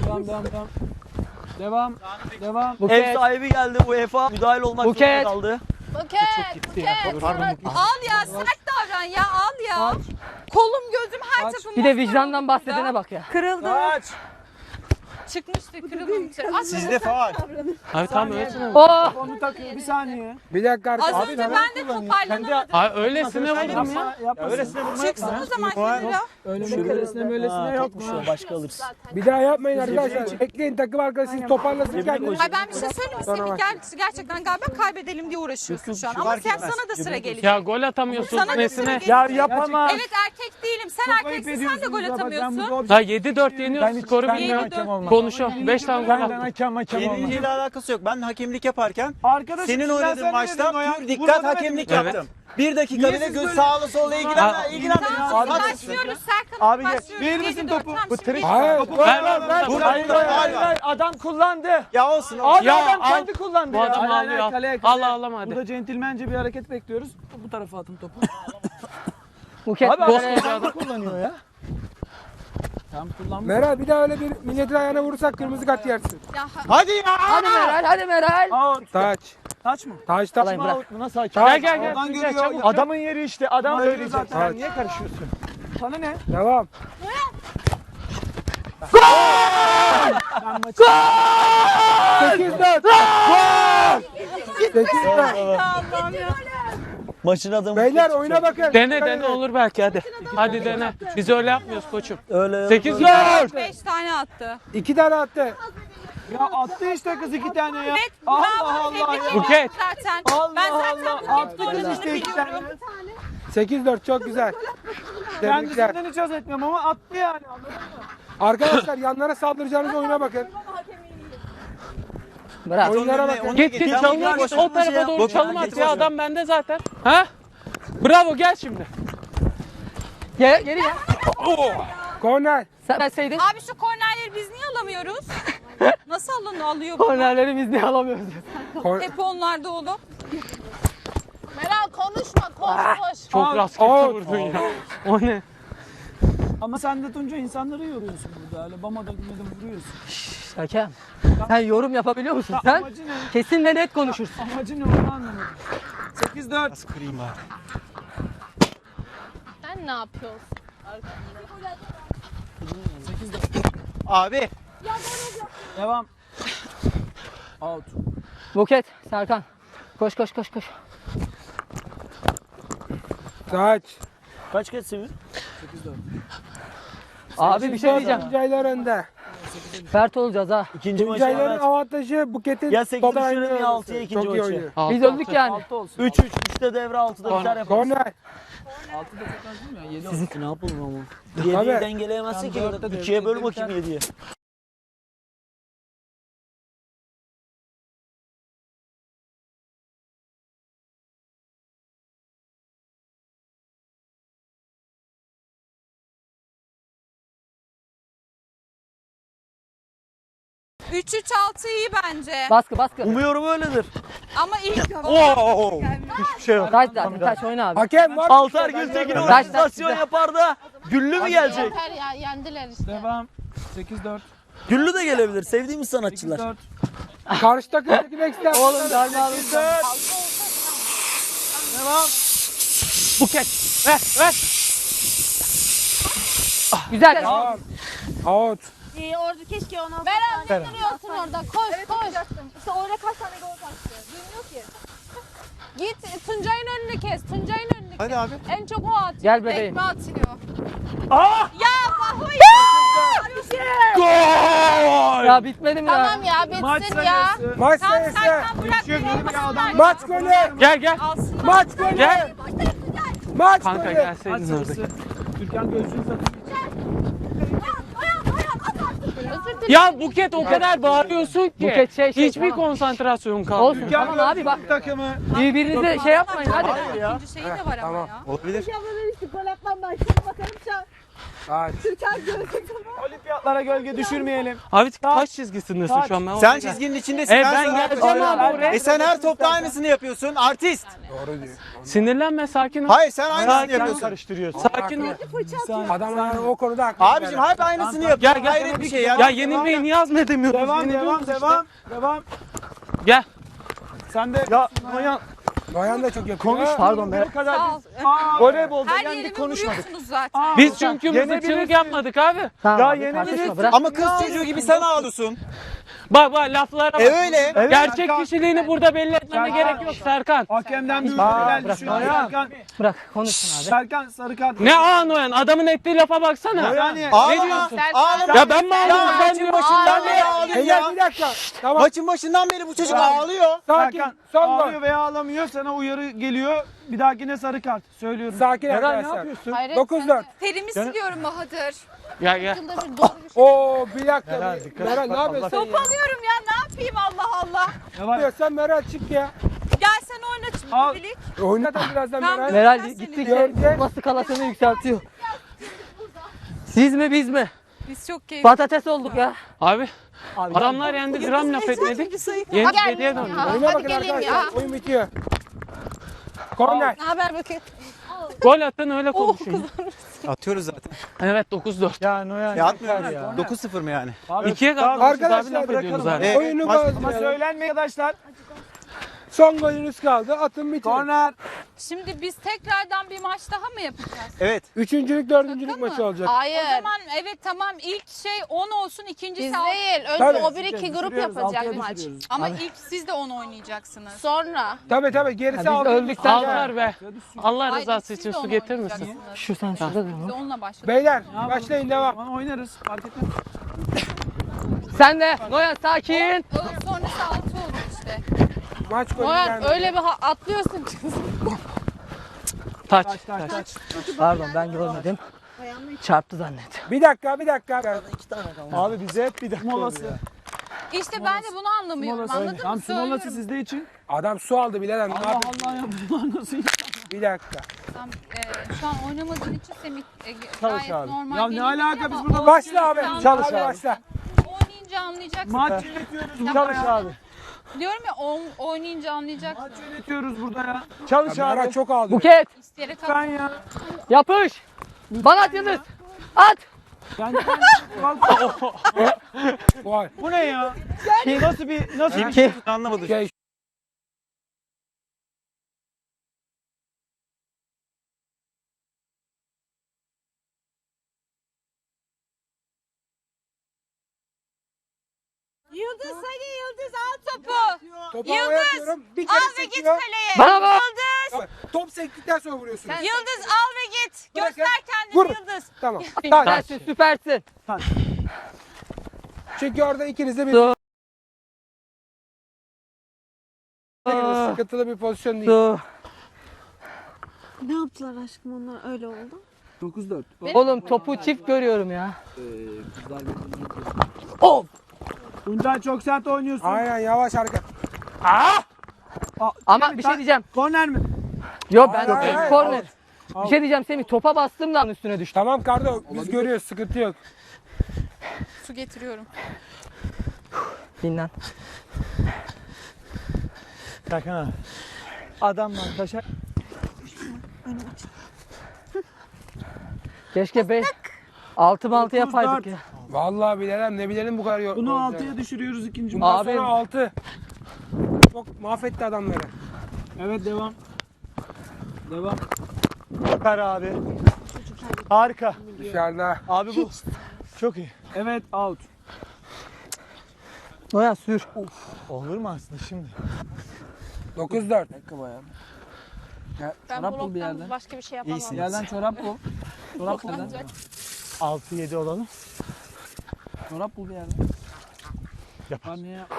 [SPEAKER 6] Devam.
[SPEAKER 5] Ev
[SPEAKER 2] Buket.
[SPEAKER 5] sahibi geldi, UEFA müdahil olmak
[SPEAKER 2] Buket.
[SPEAKER 5] zorunda kaldı.
[SPEAKER 9] Buket. Al ya, sert davran ya, al ya. Kolum gözüm her tarafım.
[SPEAKER 2] Bir de vicdandan bahsedene bak ya.
[SPEAKER 4] Kırıldı.
[SPEAKER 6] Taç.
[SPEAKER 9] Çıkmıştı, kırılmamıştı. At
[SPEAKER 10] Sizde faal.
[SPEAKER 3] Abi tamam öylesine.
[SPEAKER 2] Oh.
[SPEAKER 6] Onu takıyor bir saniye. Bir dakika
[SPEAKER 9] Az
[SPEAKER 6] arkadaşlar.
[SPEAKER 9] önce ben de toparlanamadım.
[SPEAKER 3] Abi öylesine vurdum ya.
[SPEAKER 1] Öylesine vurma
[SPEAKER 9] Çıksın
[SPEAKER 1] yapma.
[SPEAKER 9] o zaman şimdi ya.
[SPEAKER 6] Öyle böylesine böylesine yok mu?
[SPEAKER 5] Şu başka alırız.
[SPEAKER 6] Bir daha yapmayın arkadaşlar. Bekleyin, takım arkadaşınız toparlasın kendini.
[SPEAKER 9] Ay ben bir şey söyleyeyim mi Semih? Gerçekten galiba kaybedelim diye uğraşıyorsun şu an. Ama sana da sıra gelecek.
[SPEAKER 3] Ya gol atamıyorsun
[SPEAKER 9] Sana da sıra
[SPEAKER 3] nesine.
[SPEAKER 9] gelecek.
[SPEAKER 1] Ya yapamaz.
[SPEAKER 9] Evet erkek değilim. Sen erkeksin, sen de gol atamıyorsun.
[SPEAKER 3] Ha 7-4 yeniyoruz skoru
[SPEAKER 1] Ben
[SPEAKER 3] bilmiyorum.
[SPEAKER 1] hakem olmak
[SPEAKER 3] konuşalım. 5 tane gol
[SPEAKER 1] Benden
[SPEAKER 3] attı.
[SPEAKER 1] hakem olmaz.
[SPEAKER 10] Yenilgiyle alakası yok. Ben hakemlik yaparken
[SPEAKER 1] Arkadaşım
[SPEAKER 10] senin
[SPEAKER 1] sen
[SPEAKER 10] oynadığın
[SPEAKER 1] ne
[SPEAKER 10] maçta
[SPEAKER 1] dedin o ya?
[SPEAKER 10] pür
[SPEAKER 1] Burada
[SPEAKER 10] dikkat
[SPEAKER 1] demedin
[SPEAKER 10] hakemlik
[SPEAKER 1] mi?
[SPEAKER 10] yaptım. 1 dakika
[SPEAKER 1] Niye
[SPEAKER 10] bile
[SPEAKER 1] siz
[SPEAKER 10] göz
[SPEAKER 1] böyle-
[SPEAKER 10] sağla sola ilgilenmediniz.
[SPEAKER 1] Abi
[SPEAKER 4] Başlıyoruz Serkan.
[SPEAKER 1] Abi
[SPEAKER 4] başlıyoruz.
[SPEAKER 1] verir misin
[SPEAKER 4] 7-4,
[SPEAKER 1] topu?
[SPEAKER 4] tamam,
[SPEAKER 1] Bu
[SPEAKER 4] şimdi
[SPEAKER 1] trick.
[SPEAKER 6] Hayır.
[SPEAKER 1] Topu
[SPEAKER 3] Ver,
[SPEAKER 1] ver.
[SPEAKER 3] ver.
[SPEAKER 1] Hayır. Adam kullandı.
[SPEAKER 10] Ya olsun.
[SPEAKER 1] Abi
[SPEAKER 3] Ya,
[SPEAKER 1] adam
[SPEAKER 3] al.
[SPEAKER 1] kendi kullandı
[SPEAKER 3] Bu
[SPEAKER 1] ya.
[SPEAKER 3] adam
[SPEAKER 1] Hayır,
[SPEAKER 3] alıyor.
[SPEAKER 1] kaleye,
[SPEAKER 3] Al
[SPEAKER 1] kaleye.
[SPEAKER 3] ağlama hadi.
[SPEAKER 1] Burada centilmence bir hareket bekliyoruz. Bu tarafa atın topu.
[SPEAKER 2] Buket
[SPEAKER 1] Abi
[SPEAKER 2] böyle.
[SPEAKER 1] adam kullanıyor ya. Tam kullanmış.
[SPEAKER 6] Meral bir daha öyle bir milletin ayağına vurursak kırmızı kart yersin.
[SPEAKER 10] Hadi ya.
[SPEAKER 2] Hadi Meral, hadi Meral.
[SPEAKER 1] Out.
[SPEAKER 6] Taç.
[SPEAKER 1] Taç mı?
[SPEAKER 6] Taç
[SPEAKER 2] Alayım,
[SPEAKER 6] taç.
[SPEAKER 2] bırak.
[SPEAKER 1] Out mu? Nasıl hakem?
[SPEAKER 3] Gel gel gel.
[SPEAKER 1] Oradan
[SPEAKER 3] Tuncay,
[SPEAKER 1] görüyor.
[SPEAKER 3] çabuk.
[SPEAKER 1] Adamın yeri işte. Adam söyleyecek.
[SPEAKER 6] zaten.
[SPEAKER 1] Sen niye karışıyorsun? Sana ne?
[SPEAKER 6] Devam.
[SPEAKER 1] Ben maçı...
[SPEAKER 6] 8-4. 8-4.
[SPEAKER 5] Maçın adamı.
[SPEAKER 6] Beyler oyuna bakın.
[SPEAKER 3] Dene olur belki hadi. Hadi dene. Biz öyle yapmıyoruz koçum.
[SPEAKER 5] Öyle.
[SPEAKER 3] 8-4.
[SPEAKER 9] 5 tane attı.
[SPEAKER 6] 2 tane attı.
[SPEAKER 1] Ya attı işte kız 2 tane ya.
[SPEAKER 4] Evet,
[SPEAKER 1] Allah
[SPEAKER 4] bravo.
[SPEAKER 1] Allah
[SPEAKER 4] Tebrik
[SPEAKER 1] ya.
[SPEAKER 4] ediyorum
[SPEAKER 3] Buket.
[SPEAKER 4] zaten.
[SPEAKER 1] Allah
[SPEAKER 4] Ben zaten
[SPEAKER 1] Allah.
[SPEAKER 4] Buket
[SPEAKER 1] Attı kız
[SPEAKER 4] oynadığını
[SPEAKER 1] işte 2 tane.
[SPEAKER 4] biliyorum.
[SPEAKER 6] 8-4 çok güzel. Tebrikler.
[SPEAKER 1] Kendisinden hiç haz etmiyorum ama attı yani. Anladın mı?
[SPEAKER 6] Arkadaşlar yanlara saldıracağınız oyuna bakın.
[SPEAKER 2] Bırak.
[SPEAKER 6] Oyunlara bakın.
[SPEAKER 3] Git çalım at. O tarafa doğru çalım at ya adam bende zaten. Ha? Bravo gel şimdi.
[SPEAKER 2] Geri gel.
[SPEAKER 6] Korner.
[SPEAKER 2] Sen verseydin.
[SPEAKER 9] Abi şu kornerleri biz niye alamıyoruz? Nasıl alıyor bu?
[SPEAKER 2] Kornerleri biz niye alamıyoruz?
[SPEAKER 9] Hep onlarda oğlum.
[SPEAKER 7] Meral konuşma koş.
[SPEAKER 3] Çok rastgele
[SPEAKER 6] Out.
[SPEAKER 3] vurdun ya. O ne?
[SPEAKER 1] Ama sen de Tunca insanları yoruyorsun burada. Öyle bama da vuruyorsun.
[SPEAKER 2] Hakem. Sen yorum yapabiliyor musun?
[SPEAKER 1] Ya
[SPEAKER 2] Sen
[SPEAKER 1] amacı ne?
[SPEAKER 2] kesin ve net konuşursun.
[SPEAKER 1] Amacı ne onu anlamadım. 8-4.
[SPEAKER 7] Sen ne yapıyorsun?
[SPEAKER 10] Abi.
[SPEAKER 1] Devam. Out.
[SPEAKER 2] Buket, Serkan. Koş.
[SPEAKER 6] Taç.
[SPEAKER 5] Kaç kaç seviyor?
[SPEAKER 2] Abi bir şey diyeceğim.
[SPEAKER 6] Tuncaylar önde.
[SPEAKER 2] Fert olacağız ha.
[SPEAKER 5] İkinci maçı
[SPEAKER 6] Tuncayların
[SPEAKER 5] evet.
[SPEAKER 6] avantajı Buket'in
[SPEAKER 5] Ya 8'e
[SPEAKER 6] topa
[SPEAKER 5] düşürelim ya
[SPEAKER 6] oynaması.
[SPEAKER 5] 6'ya ikinci
[SPEAKER 6] Çok iyi
[SPEAKER 5] maçı.
[SPEAKER 6] oynuyor.
[SPEAKER 2] Biz öldük yani.
[SPEAKER 1] 6 olsun.
[SPEAKER 5] 3-3. 3'te devre 6'da biter yaparız.
[SPEAKER 6] Korner.
[SPEAKER 1] 6 da çok az değil mi ya? 7 olsun.
[SPEAKER 5] Ne yapalım ama? 7'yi
[SPEAKER 6] Abi.
[SPEAKER 5] dengeleyemezsin ki.
[SPEAKER 1] Tamam, dörtte
[SPEAKER 5] 2'ye böl
[SPEAKER 1] devre
[SPEAKER 5] bakayım
[SPEAKER 1] biter.
[SPEAKER 5] 7'ye.
[SPEAKER 9] Üç 3 6 iyi bence.
[SPEAKER 2] Baskı.
[SPEAKER 5] Umuyorum öyledir.
[SPEAKER 9] Ama ilk
[SPEAKER 5] Hiçbir şey yok.
[SPEAKER 2] Taç zaten. Taç oyna abi.
[SPEAKER 6] Hakem var.
[SPEAKER 5] Altar Gültekin
[SPEAKER 2] Taş,
[SPEAKER 5] organizasyon
[SPEAKER 2] taş.
[SPEAKER 5] yapar da Güllü mü gelecek?
[SPEAKER 7] Yeter ya yendiler işte.
[SPEAKER 1] Devam. 8-4.
[SPEAKER 5] Güllü de gelebilir. Sevdiğimiz sanatçılar.
[SPEAKER 1] 8-4.
[SPEAKER 6] Karşı takımdaki Bekler.
[SPEAKER 2] Oğlum darbe alın.
[SPEAKER 1] Devam.
[SPEAKER 3] Buket. Ver.
[SPEAKER 2] Güzel.
[SPEAKER 6] Tamam. Out.
[SPEAKER 9] orada keşke onu
[SPEAKER 7] Meral ne duruyorsun orada? Koş.
[SPEAKER 9] İşte orada kaç tane gol kaçtı. Bilmiyor ki.
[SPEAKER 7] Git Tuncay'ın önünü kes. Tuncay'ın önünü kes.
[SPEAKER 10] Hadi abi.
[SPEAKER 7] En çok o atıyor.
[SPEAKER 2] Gel bebeğim.
[SPEAKER 9] Tekme atıyor.
[SPEAKER 3] Gol.
[SPEAKER 2] Ya bitmedi mi ya?
[SPEAKER 7] Tamam ya
[SPEAKER 1] Maç
[SPEAKER 7] bitsin ya.
[SPEAKER 1] sayısı.
[SPEAKER 6] Maç
[SPEAKER 9] Tamam
[SPEAKER 6] sayısı.
[SPEAKER 9] Serkan bırak.
[SPEAKER 6] Maç golü.
[SPEAKER 3] Gel.
[SPEAKER 9] Alsın.
[SPEAKER 6] Maç golü.
[SPEAKER 3] Gel.
[SPEAKER 6] Maç
[SPEAKER 3] Kanka
[SPEAKER 6] golü.
[SPEAKER 1] Maç
[SPEAKER 3] gelseydin orada.
[SPEAKER 1] sayısı. Türkan gözlüğünü satın.
[SPEAKER 7] Özür dilerim.
[SPEAKER 3] Ya Buket o kadar bağırıyorsun ki.
[SPEAKER 2] Buket şey,
[SPEAKER 3] Hiçbir
[SPEAKER 2] tamam.
[SPEAKER 3] konsantrasyon kalmıyor.
[SPEAKER 2] Olsun tamam abi bak.
[SPEAKER 1] Takımı.
[SPEAKER 2] Birbirinize şey yapmayın hadi.
[SPEAKER 9] İkinci şeyi de var ama ya.
[SPEAKER 10] Olabilir.
[SPEAKER 6] Taç.
[SPEAKER 1] Olimpiyatlara gölge düşürmeyelim.
[SPEAKER 3] Abi kaç çizgisindesin şu an? Ben
[SPEAKER 10] Sen
[SPEAKER 3] orada-
[SPEAKER 10] çizginin içindesin.
[SPEAKER 3] Ben
[SPEAKER 10] sana
[SPEAKER 3] geleceğim
[SPEAKER 10] bakıyorum.
[SPEAKER 3] abi oraya.
[SPEAKER 10] Sen her topta aynısını yapıyorsun. Artist.
[SPEAKER 3] Sinirlenme sakin ol.
[SPEAKER 10] Hayır sen aynısını
[SPEAKER 3] Sakin ol.
[SPEAKER 10] yapıyorsun.
[SPEAKER 1] Karıştırıyorsun.
[SPEAKER 3] Sakin ol.
[SPEAKER 6] Adamlar o konuda haklı.
[SPEAKER 10] Abicim hep aynısını yapıyor.
[SPEAKER 3] Gel.
[SPEAKER 10] Hayret bir şey ya.
[SPEAKER 3] Ya yenilmeyi niye azmedemiyoruz?
[SPEAKER 1] Devam.
[SPEAKER 3] Gel.
[SPEAKER 1] Sen de ya Noyan
[SPEAKER 6] Noyan da çok yapıyor.
[SPEAKER 1] konuş.
[SPEAKER 2] Pardon be.
[SPEAKER 1] Bu kadar
[SPEAKER 9] Sağ ol.
[SPEAKER 1] voleybolda
[SPEAKER 9] Her
[SPEAKER 1] yendik
[SPEAKER 9] yerimi
[SPEAKER 1] konuşmadık.
[SPEAKER 9] vuruyorsunuz zaten.
[SPEAKER 3] Biz çünkü
[SPEAKER 1] Yenebilirsin.
[SPEAKER 3] mızıkçılık yapmadık abi.
[SPEAKER 2] Tamam
[SPEAKER 1] Ya
[SPEAKER 2] abi,
[SPEAKER 1] yeni
[SPEAKER 2] tartışma,
[SPEAKER 1] birisi-
[SPEAKER 2] bırak.
[SPEAKER 10] Ama kız çocuğu gibi sen ağlıyorsun.
[SPEAKER 3] Bak laflara bak.
[SPEAKER 10] Öyle.
[SPEAKER 1] Evet,
[SPEAKER 3] Gerçek
[SPEAKER 1] Serkan.
[SPEAKER 3] kişiliğini burada belli etmene
[SPEAKER 1] Serkan.
[SPEAKER 3] gerek yok Serkan.
[SPEAKER 1] Hakemden büyük
[SPEAKER 2] Aa,
[SPEAKER 1] helal
[SPEAKER 2] bırak,
[SPEAKER 1] düşünüyor.
[SPEAKER 2] bırak.
[SPEAKER 1] Serkan.
[SPEAKER 2] Bırak konuşsun abi.
[SPEAKER 1] Serkan sarı kart.
[SPEAKER 3] Ne Noyan? Adamın ettiği lafa baksana.
[SPEAKER 1] Yani
[SPEAKER 10] Ağlama.
[SPEAKER 3] diyorsun?
[SPEAKER 10] Ağlama.
[SPEAKER 3] Ya ben mi ağlıyorum?
[SPEAKER 10] Ya
[SPEAKER 3] Ben
[SPEAKER 10] maçın
[SPEAKER 3] diyorum.
[SPEAKER 10] başından beri ağlıyor
[SPEAKER 6] Beyler
[SPEAKER 10] ya.
[SPEAKER 6] bir dakika. Tamam.
[SPEAKER 10] Maçın başından beri bu çocuk ağlıyor.
[SPEAKER 6] Sakin.
[SPEAKER 1] Serkan
[SPEAKER 6] Son gol.
[SPEAKER 1] ağlıyor veya ağlamıyor. sana uyarı geliyor. Bir dahakine sarı kart. Söylüyorum.
[SPEAKER 6] Sakin
[SPEAKER 10] Meral ne
[SPEAKER 6] arkadaşlar.
[SPEAKER 10] yapıyorsun?
[SPEAKER 9] Hayret,
[SPEAKER 6] 9-4.
[SPEAKER 9] Terimi siliyorum Bahadır.
[SPEAKER 3] Gel gel.
[SPEAKER 9] Yılda bir doğru bir şey.
[SPEAKER 6] Oo bir dakika. Meral ne yapıyorsun sen ya?
[SPEAKER 9] Alıyorum ya ne yapayım Allah Allah.
[SPEAKER 1] Yavaş.
[SPEAKER 6] Sen Meral çık ya.
[SPEAKER 9] Gel sen oyna şimdi
[SPEAKER 1] Al.
[SPEAKER 9] birlik.
[SPEAKER 6] Oyna da birazdan
[SPEAKER 9] Ben
[SPEAKER 6] Meral.
[SPEAKER 2] Meral
[SPEAKER 9] Ben
[SPEAKER 2] gittikçe
[SPEAKER 9] seni
[SPEAKER 6] göreceğim.
[SPEAKER 2] tutma skalasını yükseltiyor. Siz mi biz mi?
[SPEAKER 9] Biz çok keyifli.
[SPEAKER 2] Patates olduk ya.
[SPEAKER 3] Abi adamlar yendi, gram laf etmedik. Yendi dediye döndü.
[SPEAKER 6] Oyuna
[SPEAKER 7] Hadi
[SPEAKER 6] bakın
[SPEAKER 7] geleyim
[SPEAKER 6] arkadaşlar.
[SPEAKER 7] ya.
[SPEAKER 6] Oyun bitiyor. Korner.
[SPEAKER 7] Ne haber bakayım?
[SPEAKER 3] Gol attın öyle konuşuyor.
[SPEAKER 10] Atıyoruz zaten.
[SPEAKER 3] Evet 9-4.
[SPEAKER 10] Ya Noyan. Ya atmıyoruz ya. 9-0 mı yani?
[SPEAKER 3] 2'ye kalkmışız abi
[SPEAKER 6] Arkadaşlar
[SPEAKER 3] laf ediyorsunuz
[SPEAKER 6] bırakalım.
[SPEAKER 3] abi.
[SPEAKER 6] Oyunu
[SPEAKER 10] maç-
[SPEAKER 1] Ama
[SPEAKER 6] bozmayalım.
[SPEAKER 1] söylenme arkadaşlar.
[SPEAKER 6] Son golünüz kaldı. Atın bitirin.
[SPEAKER 1] Korner.
[SPEAKER 9] Şimdi biz tekrardan bir maç daha mı yapacağız?
[SPEAKER 10] Evet.
[SPEAKER 6] Üçüncülük, dördüncülük
[SPEAKER 9] Şaka mı?
[SPEAKER 6] maçı olacak.
[SPEAKER 7] Hayır.
[SPEAKER 9] O zaman evet tamam ilk şey 10 olsun ikincisi
[SPEAKER 7] Biz
[SPEAKER 9] 6.
[SPEAKER 7] değil. Önce
[SPEAKER 6] Tabii.
[SPEAKER 7] o bir iki grup
[SPEAKER 1] Düşürüyoruz,
[SPEAKER 7] yapacak
[SPEAKER 1] altıya
[SPEAKER 7] maç.
[SPEAKER 1] düşürüyoruz.
[SPEAKER 9] Ama ilk siz de 10 oynayacaksınız.
[SPEAKER 7] Sonra.
[SPEAKER 6] Tabii gerisi
[SPEAKER 2] Biz
[SPEAKER 6] aldı.
[SPEAKER 2] öldükten
[SPEAKER 3] Altar be. Allah
[SPEAKER 9] Hayır,
[SPEAKER 3] rızası
[SPEAKER 9] siz
[SPEAKER 3] için
[SPEAKER 9] de
[SPEAKER 3] su
[SPEAKER 9] onu
[SPEAKER 3] getirir misin?
[SPEAKER 9] oynayacaksınız.
[SPEAKER 2] Şu sen şurada dur.
[SPEAKER 9] Biz de onunla başladık.
[SPEAKER 6] Beyler
[SPEAKER 1] Ne yapalım?
[SPEAKER 6] başlayın devam.
[SPEAKER 1] Tamam oynarız. Fark etmez.
[SPEAKER 2] Sen de Noyan sakin.
[SPEAKER 9] Sonrası 6 olur işte.
[SPEAKER 6] Maç golü
[SPEAKER 7] Noyan
[SPEAKER 6] gelmedi.
[SPEAKER 7] öyle bir atlıyorsun kız.
[SPEAKER 3] Taç.
[SPEAKER 2] Pardon ben görmedim. Çarptı zannettim.
[SPEAKER 6] Bir dakika.
[SPEAKER 10] Abi bize hep bir dakika
[SPEAKER 1] Molası.
[SPEAKER 10] oluyor.
[SPEAKER 9] İşte ben de bunu anlamıyorum.
[SPEAKER 1] Molası.
[SPEAKER 9] Anladın
[SPEAKER 1] Tamam
[SPEAKER 9] mı?
[SPEAKER 1] su molası
[SPEAKER 9] Söylüyorum.
[SPEAKER 1] sizde için.
[SPEAKER 6] Adam su aldı birader. Ne
[SPEAKER 1] Allah
[SPEAKER 6] yapıyorsun?
[SPEAKER 1] Allah ya bunlar nasıl insan?
[SPEAKER 6] Bir dakika.
[SPEAKER 9] Tamam, şu an oynamadığın için Semih
[SPEAKER 10] Çalış
[SPEAKER 9] gayet
[SPEAKER 10] abi.
[SPEAKER 9] normal.
[SPEAKER 1] Ya ne
[SPEAKER 9] geliyor
[SPEAKER 1] alaka,
[SPEAKER 9] ama
[SPEAKER 1] biz burada
[SPEAKER 6] Başla abi.
[SPEAKER 9] Çalış
[SPEAKER 6] Abi başla.
[SPEAKER 9] Oynayınca anlayacaksın.
[SPEAKER 1] Maç yönetiyoruz burada
[SPEAKER 10] Çalış
[SPEAKER 1] ya.
[SPEAKER 10] abi.
[SPEAKER 9] Diyorum ya oynayınca anlayacaksın.
[SPEAKER 1] Maç yönetiyoruz burada ya.
[SPEAKER 10] Çalış
[SPEAKER 6] Meral
[SPEAKER 10] abi.
[SPEAKER 6] çok aldı.
[SPEAKER 2] Buket
[SPEAKER 9] İsteyerek
[SPEAKER 1] Sen ya.
[SPEAKER 2] yapış. Bana at Yıldız. At.
[SPEAKER 1] Ben
[SPEAKER 6] Gol.
[SPEAKER 1] bu ne ya? Nasıl bir
[SPEAKER 2] İki.
[SPEAKER 10] Anlamadım.
[SPEAKER 6] Şey,
[SPEAKER 9] Yıldız hadi Yıldız al topu.
[SPEAKER 6] topu
[SPEAKER 9] Yıldız,
[SPEAKER 6] havaya atıyorum. Bir kere
[SPEAKER 9] Al ve git
[SPEAKER 6] sekiyor.
[SPEAKER 9] kaleye.
[SPEAKER 2] Bana bak.
[SPEAKER 6] Top sektikten sonra vuruyorsunuz.
[SPEAKER 9] Yıldız al ve git.
[SPEAKER 6] Bırakın.
[SPEAKER 9] Göster kendini
[SPEAKER 6] Vur.
[SPEAKER 9] Yıldız.
[SPEAKER 6] Tamam. Taç.
[SPEAKER 2] Süpersin süpersin.
[SPEAKER 6] Çünkü orada ikiniz de bir
[SPEAKER 2] Su.
[SPEAKER 6] sıkıntılı bir pozisyon değil.
[SPEAKER 2] Su.
[SPEAKER 11] Ne yaptılar aşkım onlar öyle oldu?
[SPEAKER 1] 9-4.
[SPEAKER 2] Oğlum topu çift görüyorum ya.
[SPEAKER 1] Tuncay çok sert oynuyorsun.
[SPEAKER 6] Aynen yavaş hareket.
[SPEAKER 2] Ama bir şey diyeceğim.
[SPEAKER 1] Korner mi?
[SPEAKER 2] Yo ben
[SPEAKER 6] Hayır, hayır.
[SPEAKER 2] korner. Bir şey diyeceğim Semih topa bastım da üstüne düştü.
[SPEAKER 6] Tamam Kardo biz görüyoruz sıkıntı yok.
[SPEAKER 9] Su getiriyorum.
[SPEAKER 2] Dinlen.
[SPEAKER 10] Serkan abi. Adamlar taşa.
[SPEAKER 2] Keşke 6 yapaydık ya.
[SPEAKER 6] Vallahi bilemem ne bilelim bu kadar yok.
[SPEAKER 1] Bunu 6'ya düşürüyoruz ikinci
[SPEAKER 6] Bundan
[SPEAKER 1] maç.
[SPEAKER 2] Abi-
[SPEAKER 6] sonra 6. Çok mahvetti adamları.
[SPEAKER 1] Evet devam. Devam.
[SPEAKER 10] Süper abi. Harika.
[SPEAKER 6] Dışarıda.
[SPEAKER 10] Abi bu. Çok iyi.
[SPEAKER 1] Evet out.
[SPEAKER 2] Noyan sür.
[SPEAKER 10] Olur mu aslında şimdi?
[SPEAKER 6] 9-4.
[SPEAKER 1] Dakika bayağı.
[SPEAKER 7] Ben
[SPEAKER 1] Çorap bul bir
[SPEAKER 7] bloktan
[SPEAKER 1] yerden.
[SPEAKER 7] başka bir şey yapamam.
[SPEAKER 10] İyisin.
[SPEAKER 1] Yerden çorap bul. Çorap nereden?
[SPEAKER 10] 6-7 olalım.
[SPEAKER 1] Çorap bul bir yerden.
[SPEAKER 10] Yapar.
[SPEAKER 1] Lan niye?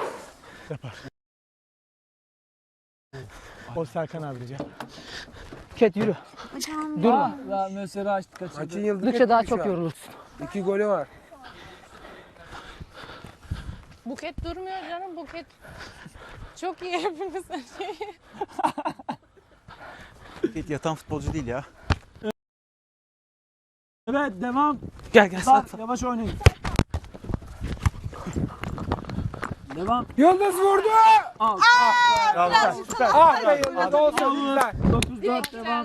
[SPEAKER 10] O Serkan abi diyeceğim.
[SPEAKER 2] Buket yürü. Durma.
[SPEAKER 1] Daha Möser'i açtık
[SPEAKER 6] Maçın
[SPEAKER 1] kaçırdı.
[SPEAKER 6] yıldızı
[SPEAKER 2] Durdukça daha
[SPEAKER 6] şu an.
[SPEAKER 2] çok yorulursun.
[SPEAKER 6] 2 golü var.
[SPEAKER 7] Buket durmuyor canım Buket. Çok iyi hepimiz.
[SPEAKER 10] Yatan futbolcu değil ya.
[SPEAKER 1] Evet devam.
[SPEAKER 3] Gel
[SPEAKER 1] Sağ, yavaş oynayın. Devam.
[SPEAKER 6] Yıldız vurdu.
[SPEAKER 1] Out.
[SPEAKER 10] Bravo. Süper.
[SPEAKER 6] Ah be Yıldız olsun güzel.
[SPEAKER 1] 9-4 devam.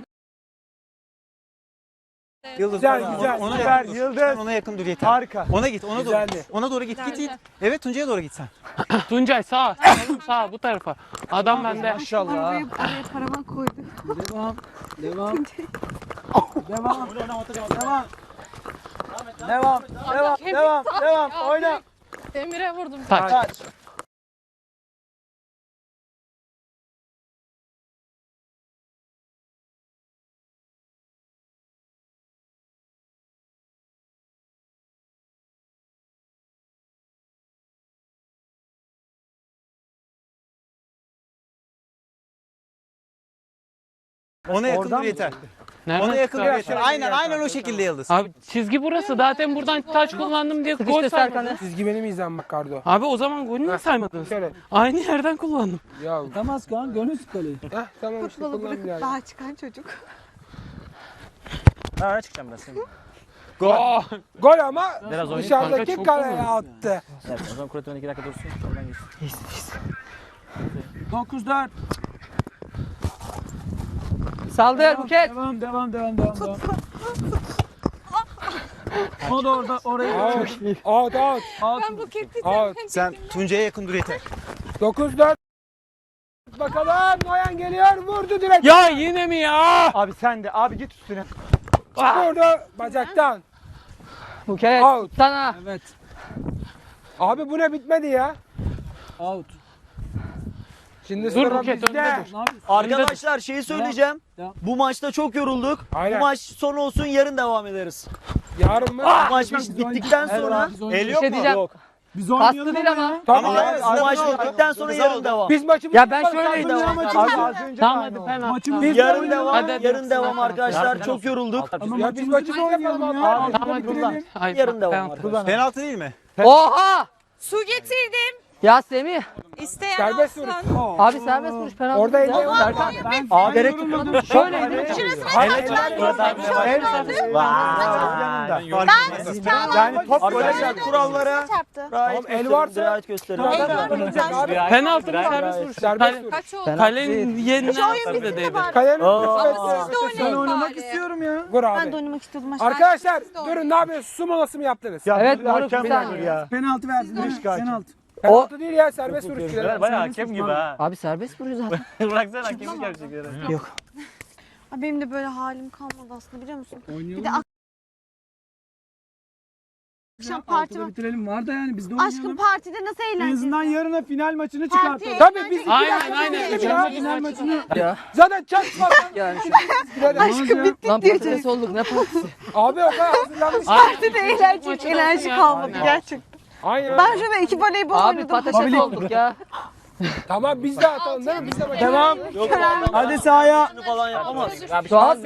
[SPEAKER 10] Yıldız.
[SPEAKER 6] Güzel,
[SPEAKER 10] bravo.
[SPEAKER 6] güzel,
[SPEAKER 10] Ona
[SPEAKER 6] süper.
[SPEAKER 10] yakın dur. Sen ona yakın dur yeter. Harika. Ona git, ona doğru.
[SPEAKER 6] Güzeldi.
[SPEAKER 10] Ona doğru git, git. Evet Tuncay'a doğru git sen.
[SPEAKER 3] Tuncay sağ. Sağ bu tarafa. Adam bende.
[SPEAKER 10] Maşallah.
[SPEAKER 11] Oraya paravan koydu.
[SPEAKER 1] Devam. Devam. Devam. Devam. Devam. Devam. Devam. Devam. Oyna.
[SPEAKER 7] Demir'e vurdum.
[SPEAKER 3] Taç.
[SPEAKER 1] Kaç.
[SPEAKER 10] Ona yakın dur yeter.
[SPEAKER 3] Nereden
[SPEAKER 10] Ona yakın dur
[SPEAKER 3] çıkardın?
[SPEAKER 10] yeter. Aynen o şekilde Yıldız.
[SPEAKER 3] Abi çizgi burası. Zaten buradan taç kullandım diye gol
[SPEAKER 2] Sıkıştır
[SPEAKER 3] saymadın.
[SPEAKER 2] Serkan'ı.
[SPEAKER 6] Çizgi benim izlen bak Kardo.
[SPEAKER 3] Abi o zaman golü niye saymadınız?
[SPEAKER 6] Şöyle.
[SPEAKER 3] Aynı yerden kullandım.
[SPEAKER 6] Ya.
[SPEAKER 1] Tamaz kan gönül kaleyi.
[SPEAKER 6] Heh, tamam işte
[SPEAKER 11] Futbolu
[SPEAKER 6] kullan
[SPEAKER 11] bırakıp
[SPEAKER 6] yani.
[SPEAKER 11] daha çıkan çocuk.
[SPEAKER 10] Ben öne çıkacağım biraz şimdi.
[SPEAKER 6] Gol ama
[SPEAKER 10] Biraz oynayayım.
[SPEAKER 6] dışarıdaki
[SPEAKER 3] Kanka çok
[SPEAKER 6] kaleye
[SPEAKER 3] uzun.
[SPEAKER 6] attı.
[SPEAKER 10] Evet, o zaman kuratörün 2 dakika dursun. Oradan geçsin.
[SPEAKER 1] 9-4.
[SPEAKER 2] Saldır Buket.
[SPEAKER 1] Devam. O da orada orayı.
[SPEAKER 6] Out.
[SPEAKER 9] Ben Buket'i
[SPEAKER 6] Out.
[SPEAKER 10] Sen Tuncay'a yakın dur yeter.
[SPEAKER 6] 9-4. Bakalım Noyan geliyor vurdu direkt.
[SPEAKER 3] Ya yine mi ya?
[SPEAKER 10] Abi sen de abi git üstüne.
[SPEAKER 6] Vurdu bacaktan.
[SPEAKER 2] Buket.
[SPEAKER 6] Out.
[SPEAKER 2] Sana.
[SPEAKER 1] Evet.
[SPEAKER 6] Abi bu ne bitmedi ya.
[SPEAKER 1] Out.
[SPEAKER 6] Şimdi
[SPEAKER 3] Dur
[SPEAKER 6] sıra
[SPEAKER 3] Buket,
[SPEAKER 6] bizde.
[SPEAKER 3] önünde dur.
[SPEAKER 1] Ne yapıyorsun?
[SPEAKER 5] Arkadaşlar şeyi söyleyeceğim.
[SPEAKER 1] Devam.
[SPEAKER 5] Bu maçta çok yorulduk.
[SPEAKER 6] Aynen.
[SPEAKER 5] Bu maç son olsun yarın devam ederiz.
[SPEAKER 6] Yarın mı?
[SPEAKER 5] Bu maç bittikten sonra
[SPEAKER 1] Biz
[SPEAKER 2] Bir
[SPEAKER 1] oynayalım.
[SPEAKER 2] şey diyeceğim.
[SPEAKER 1] Biz
[SPEAKER 2] Kastı
[SPEAKER 1] oynayalım
[SPEAKER 2] değil ama.
[SPEAKER 6] Tamam.
[SPEAKER 5] bu maç bittikten sonra yarın devam.
[SPEAKER 6] Biz maçımızı
[SPEAKER 2] Ya ben
[SPEAKER 6] yapalım,
[SPEAKER 2] şöyleydim.
[SPEAKER 6] kalkın ya,
[SPEAKER 1] Tamam,
[SPEAKER 6] maçımızı.
[SPEAKER 3] Tamam hadi penaltı.
[SPEAKER 1] Maçımız
[SPEAKER 6] Biz
[SPEAKER 5] Yarın
[SPEAKER 6] de
[SPEAKER 5] devam.
[SPEAKER 3] Hadi.
[SPEAKER 5] Yarın devam arkadaşlar. Çok yorulduk.
[SPEAKER 1] Ama
[SPEAKER 6] Ya biz
[SPEAKER 1] maçımızı
[SPEAKER 6] maçımızı yapalım
[SPEAKER 1] oynayalım
[SPEAKER 6] abi.
[SPEAKER 1] ya.
[SPEAKER 3] Tamam hadi
[SPEAKER 6] Bitirelim.
[SPEAKER 3] Hayır,
[SPEAKER 5] Yarın devam
[SPEAKER 3] penaltı.
[SPEAKER 5] arkadaşlar.
[SPEAKER 10] Penaltı değil mi?
[SPEAKER 2] Oha.
[SPEAKER 4] Su getirdim.
[SPEAKER 2] Ya Semih.
[SPEAKER 4] İsteyen
[SPEAKER 6] Serbest
[SPEAKER 4] alsın.
[SPEAKER 6] vuruş.
[SPEAKER 2] Abi serbest vuruş penaltı.
[SPEAKER 6] Orada
[SPEAKER 2] değil.
[SPEAKER 6] elle yok.
[SPEAKER 2] Serkan.
[SPEAKER 6] Abi
[SPEAKER 2] Gerek yok. Şöyleydi.
[SPEAKER 6] Yani top
[SPEAKER 5] Arkadaşlar kurallara
[SPEAKER 11] Çarptı.
[SPEAKER 5] riayet
[SPEAKER 6] el
[SPEAKER 5] gösterin.
[SPEAKER 6] varsa-
[SPEAKER 5] Riayet gösterin.
[SPEAKER 3] Penaltı mı serbest vuruş?
[SPEAKER 6] Serbest vuruş.
[SPEAKER 4] Kaç oldu?
[SPEAKER 3] Kalenin yerine
[SPEAKER 11] Şu oyun
[SPEAKER 3] nasıl
[SPEAKER 11] bitti
[SPEAKER 3] de
[SPEAKER 11] de
[SPEAKER 3] değdi?
[SPEAKER 11] bari.
[SPEAKER 6] Kalenin
[SPEAKER 1] Ben
[SPEAKER 6] evet.
[SPEAKER 1] oynamak istiyorum ya.
[SPEAKER 6] Vur
[SPEAKER 11] Ben
[SPEAKER 6] abi.
[SPEAKER 11] de oynamak istiyordum.
[SPEAKER 6] Arkadaşlar durun ne yapıyorsunuz? Su molası mı yaptınız?
[SPEAKER 2] Evet moruk bir saniye.
[SPEAKER 1] Penaltı verdi. Penaltı.
[SPEAKER 6] Penaltı değil ya serbest vuruş.
[SPEAKER 10] Bayağı hakem gibi ha.
[SPEAKER 2] Abi serbest vuruş zaten.
[SPEAKER 10] Bıraksana hakemi gerçekten.
[SPEAKER 2] Yok.
[SPEAKER 11] Ay, benim de böyle halim kalmadı aslında biliyor musun?
[SPEAKER 1] Oynayalım.
[SPEAKER 11] Bir de akşam parti var.
[SPEAKER 1] Bitirelim var da yani biz de
[SPEAKER 11] Aşkım
[SPEAKER 1] oynayalım.
[SPEAKER 11] partide nasıl
[SPEAKER 1] En
[SPEAKER 11] eğleneceğiz?
[SPEAKER 1] azından yarına final maçını
[SPEAKER 11] Parti
[SPEAKER 1] çıkartalım.
[SPEAKER 6] Tabii biz iki
[SPEAKER 3] Aynen,
[SPEAKER 6] dakika
[SPEAKER 3] aynen.
[SPEAKER 6] bekleyelim
[SPEAKER 1] Yarın
[SPEAKER 6] ya.
[SPEAKER 1] final maçını.
[SPEAKER 2] Ya.
[SPEAKER 6] Zaten çarpmadan
[SPEAKER 2] Yani
[SPEAKER 11] Aşkım bitti
[SPEAKER 2] lan
[SPEAKER 11] diyecek.
[SPEAKER 2] patates olduk ne partisi?
[SPEAKER 6] abi o kadar hazırlanmış.
[SPEAKER 11] Partide eğlenecek
[SPEAKER 3] Maçı
[SPEAKER 11] enerji
[SPEAKER 3] ya.
[SPEAKER 11] kalmadı
[SPEAKER 3] Aynen.
[SPEAKER 11] gerçekten.
[SPEAKER 6] Aynen.
[SPEAKER 11] Ben şurada iki voleybol
[SPEAKER 2] Abi
[SPEAKER 11] oynadım.
[SPEAKER 2] patates olduk ya.
[SPEAKER 6] Tamam biz de atalım değil mi? Biz de maçı.
[SPEAKER 1] Devam. Hadi sahaya.
[SPEAKER 5] Falan yapamaz.
[SPEAKER 2] Suat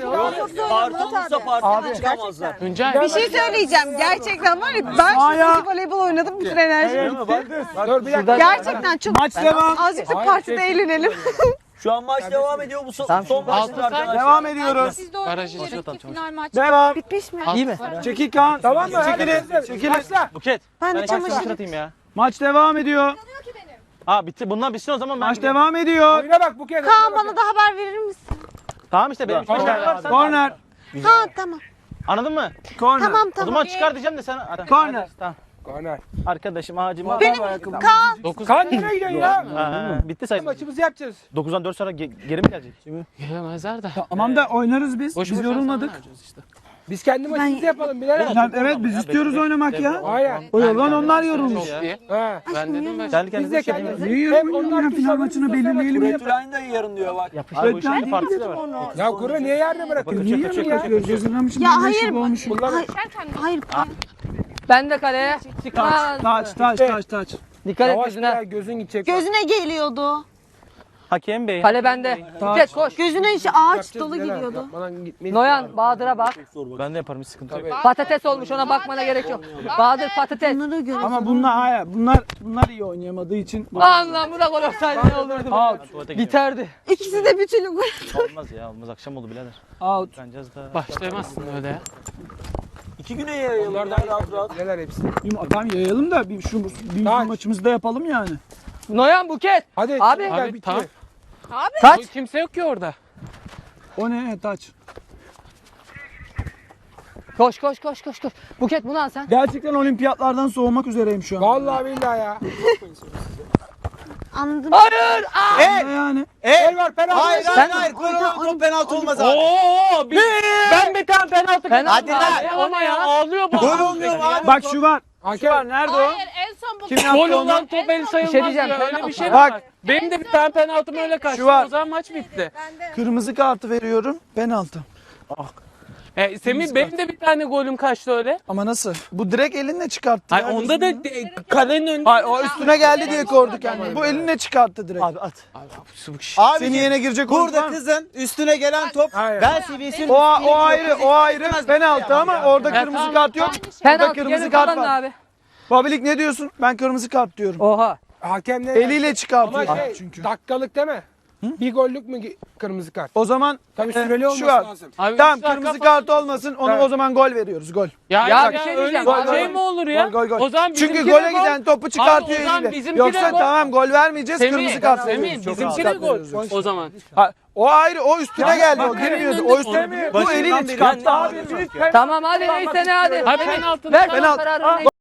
[SPEAKER 5] Partolursa partiden çıkamazlar.
[SPEAKER 3] Tuncay.
[SPEAKER 11] Bir şey söyleyeceğim. Gerçekten var ya ben şurada iki voleybol oynadım. Bütün enerjim bitti.
[SPEAKER 6] Dur bir dakika.
[SPEAKER 11] Gerçekten çok
[SPEAKER 1] Maç devam.
[SPEAKER 11] azıcık da
[SPEAKER 6] Hayır,
[SPEAKER 11] partide eğlenelim.
[SPEAKER 5] Şu an maç devam ediyor. Bu son
[SPEAKER 2] Tamam,
[SPEAKER 5] maçtır
[SPEAKER 3] altı
[SPEAKER 5] arkadaşlar.
[SPEAKER 1] Devam ediyoruz.
[SPEAKER 4] Siz de
[SPEAKER 3] Barajı
[SPEAKER 4] oynayın.
[SPEAKER 3] şut
[SPEAKER 4] Final maç.
[SPEAKER 1] Devam.
[SPEAKER 11] Bitmiş mi?
[SPEAKER 2] İyi mi?
[SPEAKER 1] Çekil kan.
[SPEAKER 6] Tamam mı?
[SPEAKER 1] Çekilin. Çekilin.
[SPEAKER 6] Başla.
[SPEAKER 10] Buket.
[SPEAKER 11] Ben de
[SPEAKER 10] Ben
[SPEAKER 11] çamaşır.
[SPEAKER 10] atayım ya.
[SPEAKER 1] Maç devam ediyor.
[SPEAKER 10] Aa bitti. Bundan bitsin o zaman ben.
[SPEAKER 1] Maç devam ediyor.
[SPEAKER 6] Oyuna bak Buket.
[SPEAKER 11] Kaan bana da haber verir misin?
[SPEAKER 10] Tamam işte benim 3 tane var. Sen...
[SPEAKER 1] Corner.
[SPEAKER 11] Ha tamam.
[SPEAKER 10] Anladın mı?
[SPEAKER 1] Corner.
[SPEAKER 11] Tamam
[SPEAKER 10] O
[SPEAKER 11] tamam.
[SPEAKER 10] zaman çıkar diyeceğim de sen.
[SPEAKER 1] Corner.
[SPEAKER 10] Tamam.
[SPEAKER 6] Korner.
[SPEAKER 10] Arkadaşım ağacım.
[SPEAKER 11] Kaan.
[SPEAKER 3] 9
[SPEAKER 6] Kaan nereye gidiyorsun ya?
[SPEAKER 10] Bitti sayın.
[SPEAKER 6] Maçımızı yapacağız.
[SPEAKER 10] 9'dan 4 sonra geri mi gelecek?
[SPEAKER 3] gelemezler de.
[SPEAKER 1] Tamam da oynarız biz.
[SPEAKER 3] Boş
[SPEAKER 1] Biz
[SPEAKER 3] boş
[SPEAKER 1] yorulmadık.
[SPEAKER 3] zaman harcıyoruz işte.
[SPEAKER 6] Biz kendi maçımızı yapalım Bilal.
[SPEAKER 1] Yani evet biz istiyoruz oynamak ya.
[SPEAKER 6] Aynen.
[SPEAKER 1] O yorulan onlar yorulmuş.
[SPEAKER 3] Çok iyi.
[SPEAKER 6] Ha.
[SPEAKER 3] Ben dedim ben.
[SPEAKER 10] Kendi
[SPEAKER 6] Biz
[SPEAKER 10] kendinize
[SPEAKER 6] de
[SPEAKER 10] şey
[SPEAKER 6] kendimizi.
[SPEAKER 1] Niye
[SPEAKER 6] Hem
[SPEAKER 1] yorulmuyor
[SPEAKER 6] onlar
[SPEAKER 1] ya? Final
[SPEAKER 6] tuşlarını
[SPEAKER 1] maçını
[SPEAKER 6] tutarsa
[SPEAKER 1] belirleyelim.
[SPEAKER 6] maçı
[SPEAKER 5] Tülay'ın da yarın diyor bak.
[SPEAKER 10] Abi bu işin
[SPEAKER 1] Bekler.
[SPEAKER 10] bir partisi de var.
[SPEAKER 6] Ya Kuru niye yerde bırakıyorsun?
[SPEAKER 1] Niye mi yapıyoruz? Hazırlamışım.
[SPEAKER 11] Ya
[SPEAKER 1] ben de
[SPEAKER 11] hayır.
[SPEAKER 1] şık olmuşum.
[SPEAKER 11] Hayır. Hayır.
[SPEAKER 2] Ben de kaleye. Çıkmaz.
[SPEAKER 1] Taç.
[SPEAKER 2] Dikkat et
[SPEAKER 6] Yavaş ya
[SPEAKER 2] gözüne.
[SPEAKER 6] gözün gidecek.
[SPEAKER 11] Gözüne geliyordu.
[SPEAKER 10] Hakem Bey.
[SPEAKER 2] Kale bende. Buket koş.
[SPEAKER 11] Gözüne işte ağaç dolu gidiyordu.
[SPEAKER 2] Noyan Bahadır'a bak.
[SPEAKER 10] Ben de yaparım hiç sıkıntı yok.
[SPEAKER 2] Patates olmuş ona bakmana gerek yok. Bahadır patates.
[SPEAKER 11] Bunları görüyorsun.
[SPEAKER 1] Ama bunlar iyi oynayamadığı için.
[SPEAKER 2] Anlam bu da gol olsaydı ne olurdu?
[SPEAKER 10] Tuvalete gidiyorum.
[SPEAKER 2] Biterdi.
[SPEAKER 11] İkisi de bütünü gol.
[SPEAKER 10] Olmaz ya olmaz akşam oldu birader.
[SPEAKER 1] Out.
[SPEAKER 10] Bencez da.
[SPEAKER 3] Başlayamazsın öyle ya.
[SPEAKER 5] 2 güne yayalım ya rahat rahat.
[SPEAKER 6] Neler hepsi.
[SPEAKER 1] Tamam yayalım da bir
[SPEAKER 6] Taç.
[SPEAKER 1] maçımızı da yapalım yani.
[SPEAKER 2] Noyan Buket.
[SPEAKER 6] Hadi.
[SPEAKER 2] Abi.
[SPEAKER 6] gel,
[SPEAKER 3] Abi
[SPEAKER 6] bitti.
[SPEAKER 3] tamam.
[SPEAKER 2] Kaç.
[SPEAKER 3] Kimse yok ki orada.
[SPEAKER 1] O ne? Taç.
[SPEAKER 2] Koş. Buket bunu al sen.
[SPEAKER 1] Gerçekten olimpiyatlardan soğumak üzereyim şu an.
[SPEAKER 6] Vallahi billahi ya.
[SPEAKER 11] Anladım.
[SPEAKER 2] Hayır.
[SPEAKER 1] Yani.
[SPEAKER 6] El var penaltı.
[SPEAKER 2] Sen
[SPEAKER 10] Top penaltı olmaz abi.
[SPEAKER 3] Oo! Ben bir tane penaltı.
[SPEAKER 2] Hadi
[SPEAKER 3] lan. O ne ya? Ağlıyor bu.
[SPEAKER 10] Gol olmuyor mu abi?
[SPEAKER 1] Bak şu var.
[SPEAKER 6] Hakem.
[SPEAKER 1] Nerede o?
[SPEAKER 7] Hayır en son bu.
[SPEAKER 1] Kim yaptı
[SPEAKER 3] Gol
[SPEAKER 1] onu?
[SPEAKER 3] olan top el sayılmaz
[SPEAKER 2] şey diyeceğim,
[SPEAKER 3] ya. Öyle
[SPEAKER 2] penaltı.
[SPEAKER 3] bir şey mi
[SPEAKER 1] Bak.
[SPEAKER 3] var? Benim de bir tane penaltım öyle kaçtı.
[SPEAKER 1] Şu var.
[SPEAKER 3] O zaman maç bitti.
[SPEAKER 1] Kırmızı kartı veriyorum. Penaltı.
[SPEAKER 3] Semih benim de bir tane golüm kaçtı öyle.
[SPEAKER 1] Ama nasıl? Bu direkt elinle çıkarttı.
[SPEAKER 3] Hayır
[SPEAKER 1] ya.
[SPEAKER 3] onda da kalenin önünde.
[SPEAKER 1] Hayır o üstüne geldi diye kordu kendini. Bu elinle çıkarttı direkt.
[SPEAKER 5] Abi at.
[SPEAKER 10] Abi
[SPEAKER 1] Seni yine girecek olan var
[SPEAKER 10] burada
[SPEAKER 1] mı?
[SPEAKER 10] kızın üstüne gelen top
[SPEAKER 6] Hayır.
[SPEAKER 10] ben seviyesinin
[SPEAKER 1] O ayrı penaltı ama orada
[SPEAKER 3] Ya
[SPEAKER 1] kırmızı
[SPEAKER 3] tamam.
[SPEAKER 1] kart yok. Burada
[SPEAKER 2] Penaltı
[SPEAKER 1] kırmızı
[SPEAKER 2] geri
[SPEAKER 1] kart
[SPEAKER 2] kullanın
[SPEAKER 1] var.
[SPEAKER 2] abi.
[SPEAKER 1] Babilik ne diyorsun? Ben kırmızı kart diyorum.
[SPEAKER 2] Oha.
[SPEAKER 6] Hakem ne?
[SPEAKER 1] Eliyle çıkartıyor
[SPEAKER 6] Ama şey,
[SPEAKER 1] çünkü.
[SPEAKER 6] dakikalık değil mi? Bir gollük mü kırmızı kart?
[SPEAKER 1] O zaman
[SPEAKER 6] Tabii süreli olması
[SPEAKER 1] şu var.
[SPEAKER 6] lazım.
[SPEAKER 3] Abi
[SPEAKER 1] Tamam
[SPEAKER 3] üç dakika
[SPEAKER 1] kırmızı
[SPEAKER 3] falan-
[SPEAKER 1] kart olmasın. Onu
[SPEAKER 6] Evet.
[SPEAKER 1] o zaman gol veriyoruz. Gol.
[SPEAKER 3] Ya
[SPEAKER 2] bir şey
[SPEAKER 3] öyle
[SPEAKER 2] diyeceğim.
[SPEAKER 1] Gol,
[SPEAKER 3] şey
[SPEAKER 1] gol.
[SPEAKER 3] mi olur ya?
[SPEAKER 1] Gol.
[SPEAKER 3] O zaman
[SPEAKER 1] Çünkü
[SPEAKER 3] bizimki
[SPEAKER 1] gole
[SPEAKER 3] de gol.
[SPEAKER 1] giden topu çıkartıyor
[SPEAKER 3] Abi o zaman
[SPEAKER 1] eliyle.
[SPEAKER 3] bizimki de
[SPEAKER 1] Yoksa
[SPEAKER 3] gol.
[SPEAKER 1] tamam gol vermeyeceğiz.
[SPEAKER 3] Semih,
[SPEAKER 1] Kırmızı kart
[SPEAKER 3] Semih,
[SPEAKER 1] veriyoruz.
[SPEAKER 3] bizimki de gol. O zaman.
[SPEAKER 1] Ha, o ayrı. O üstüne geldi. O girmiyordu. O üstüne. Bu eliyle çıkarttı abi.
[SPEAKER 2] Tamam hadi neyse ne hadi.
[SPEAKER 3] Ha penaltı.
[SPEAKER 2] Ver bana
[SPEAKER 1] Penaltı.
[SPEAKER 2] kararını.